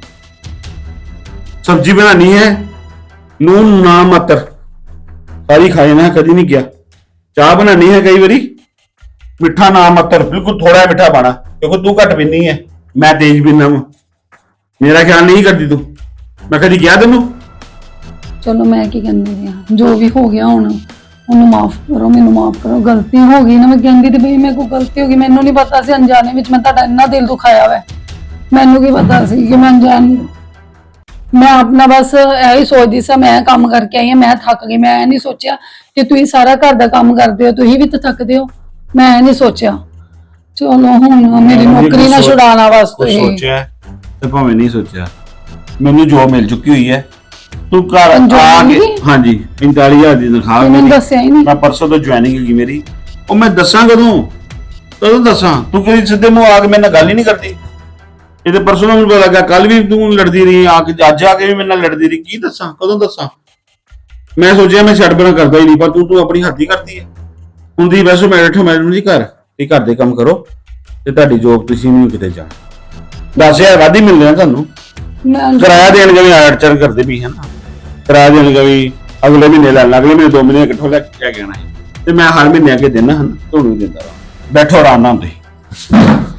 [SPEAKER 3] ਸਬਜ਼ੀ ਬਣਾਣੀ ਹੈ, ਲੂਣ ਨਾ ਮਾਤਰ, ਸਾਰੀ ਖਾਏ ਨਾ, ਕਦੀ ਨਹੀਂ ਕਿਹਾ। ਚਾਹ ਬਣਾਣੀ ਹੈ ਕਈ ਵਾਰੀ, ਮਿੱਠਾ ਨਾ ਮਾਤਰ, ਬਿਲਕੁਲ ਥੋੜਾ ਮਿੱਠਾ ਪਾਣਾ, ਕਿਉਂਕਿ ਤੂੰ ਘੱਟ ਪੀਨੀ ਹੈ, ਮੈਂ ਤੇਜ਼ ਪੀਨਾ ਵਾ। ਮੇਰਾ ਖਿਆਲ ਨਹੀਂ ਕਰਦੀ ਤੂੰ, ਮੈਂ ਕਦੀ ਕਿਹਾ ਤੈਨੂੰ?
[SPEAKER 1] ਚਲੋ ਮੈਂ ਕੀ ਕਹਿੰਦੀ ਆ, ਜੋ ਵੀ ਹੋ ਗਿਆ ਹੁਣ ਉਹਨੂੰ ਮਾਫ ਕਰੋ, ਮੈਨੂੰ ਮਾਫ ਕਰੋ। ਗਲਤੀ ਹੋ ਗਈ ਨਾ, ਮੈਂ ਕਹਿੰਦੀ ਤੇ ਬਈ ਮੇਰੇ ਕੋਲ ਗਲਤੀ ਹੋ ਗਈ, ਮੈਨੂੰ ਨਹੀਂ ਪਤਾ ਸੀ ਅਣਜਾਣੇ ਵਿੱਚ ਮੈਂ ਤੁਹਾਡਾ ਇੰਨਾ ਦਿਲ ਦੁਖਾਇਆ ਵਾ। ਮੈਨੂੰ ਕੀ ਪਤਾ ਸੀ ਕਿ ਮੈਂ ਅਣਜਾਣ, ਮੈਂ ਆਪਣਾ ਬਸ ਇਹੀ ਸੋਚਦੀ ਸੀ, ਮੈਂ ਕੰਮ ਕਰਕੇ ਆਈ ਹਾਂ, ਮੈਂ ਥੱਕ ਗਈ। ਮੈਂ ਇਹ ਨਹੀਂ ਸੋਚਿਆ ਕਿ ਤੁਸੀਂ ਸਾਰਾ ਘਰ ਦਾ ਕੰਮ ਕਰਦੇ ਹੋ, ਤੁਸੀਂ ਵੀ ਤਾਂ ਥੱਕਦੇ ਹੋ। ਮੈਂ ਇਹ ਨਹੀਂ ਸੋਚਿਆ। ਚਲੋ ਹੁਣ ਮੇਰੀ ਨੌਕਰੀ ਨਾ ਛੁਡਾਉਣਾ ਵਾਸਤੇ
[SPEAKER 3] ਸੋਚਿਆ ਤੇ ਭਾਵੇਂ ਨਹੀਂ ਸੋਚਿਆ, ਮੈਨੂੰ ਜੋਬ ਮਿਲ ਚੁੱਕੀ ਹੋਈ ਹੈ। ਤੂੰ ਘਰ
[SPEAKER 1] job
[SPEAKER 3] ਆ
[SPEAKER 1] ਮਿਲ
[SPEAKER 3] ਕੇ,
[SPEAKER 1] ਗਈ?
[SPEAKER 3] ਹਾਂਜੀ ਪੈਂਤਾਲੀ ਹਜ਼ਾਰ ਦੀ ਤਨਖਾਹ
[SPEAKER 1] ਮੈਨੂੰ
[SPEAKER 3] ਮੇਰੀ।
[SPEAKER 1] ਦੱਸਿਆ ਹੀ ਨਹੀਂ।
[SPEAKER 3] ਮੈਂ ਪਰਸੋਂ ਤੋਂ ਜੁਆਇਨਿੰਗ ਹੈਗੀ ਮੇਰੀ। ਉਹ ਮੈਂ ਦੱਸਾਂ ਕਦੋਂ? ਕਦੋਂ ਦੱਸਾਂ? ਤੂੰ ਕਿਹੜੀ ਸਿੱਧੇ ਮੂੰਹ ਆ ਕੇ ਮੇਰੇ ਨਾਲ ਗੱਲ ਹੀ ਨਹੀਂ ਕਰਦੀ। ਇਹ ਤੇ ਪਰਸੋਂ ਨੂੰ ਮੈਨੂੰ ਪਤਾ ਲੱਗਾ, ਕੱਲ ਵੀ ਤੂੰ ਲੜਦੀ ਰਹੀ ਆ ਕੇ, ਅੱਜ ਆ ਕੇ ਵੀ ਮੇਰੇ ਨਾਲ ਲੜਦੀ ਰਹੀ। ਕੀ ਦੱਸਾਂ, ਕਦੋਂ ਦੱਸਾਂ? ਮੈਂ ਸੋਚਿਆ ਮੈਂ ਛੱਡ ਬਣਾ ਕਰਦਾ ਹੀ ਨਹੀਂ, ਪਰ ਤੂੰ ਤੂੰ ਆਪਣੀ ਹੱਦ ਹੀ ਕਰਦੀ ਹੈ। ਹੁੰਦੀ ਵੈਸੇ ਮੈਂ ਬੈਠੋ ਮੈਡਮ ਜੀ ਘਰ, ਇਹ ਘਰ ਦੇ ਕੰਮ ਕਰੋ, ਤੇ ਤੁਹਾਡੀ ਜੋਬ ਤੁਸੀਂ ਨਹੀਂ ਕਿਤੇ ਜਾਣਾ। ਦਸ ਹਜ਼ਾਰ ਵਾਧੀ ਮਿਲ ਰਿਹਾ ਤੁਹਾਨੂੰ।
[SPEAKER 1] ਮੈਂ
[SPEAKER 3] ਕਿਰਾਇਆ ਦੇਣ ਕੇ ਵੀ ਆੜਚੜ ਕਰਦੇ ਵੀ ਹੈ ਨਾ, ਕਿਰਾਇਆ ਦੇਣ ਕੇ ਵੀ ਅਗਲੇ ਮਹੀਨੇ ਲੈ ਲੈਣਾ, ਅਗਲੇ ਮਹੀਨੇ ਦੋ ਮਹੀਨੇ ਇਕੱਠੋ ਲੈ ਕੇ ਆਣਾ ਹੈ ਤੇ ਮੈਂ ਹਰ ਮਹੀਨੇ ਅੱਗੇ ਦੇਣਾ ਹਨ, ਤੁਹਾਨੂੰ ਵੀ ਦਿੰਦਾ ਵਾ। ਬੈਠੋ ਆਰਾਮ ਨਾਲ ਤੁਸੀਂ।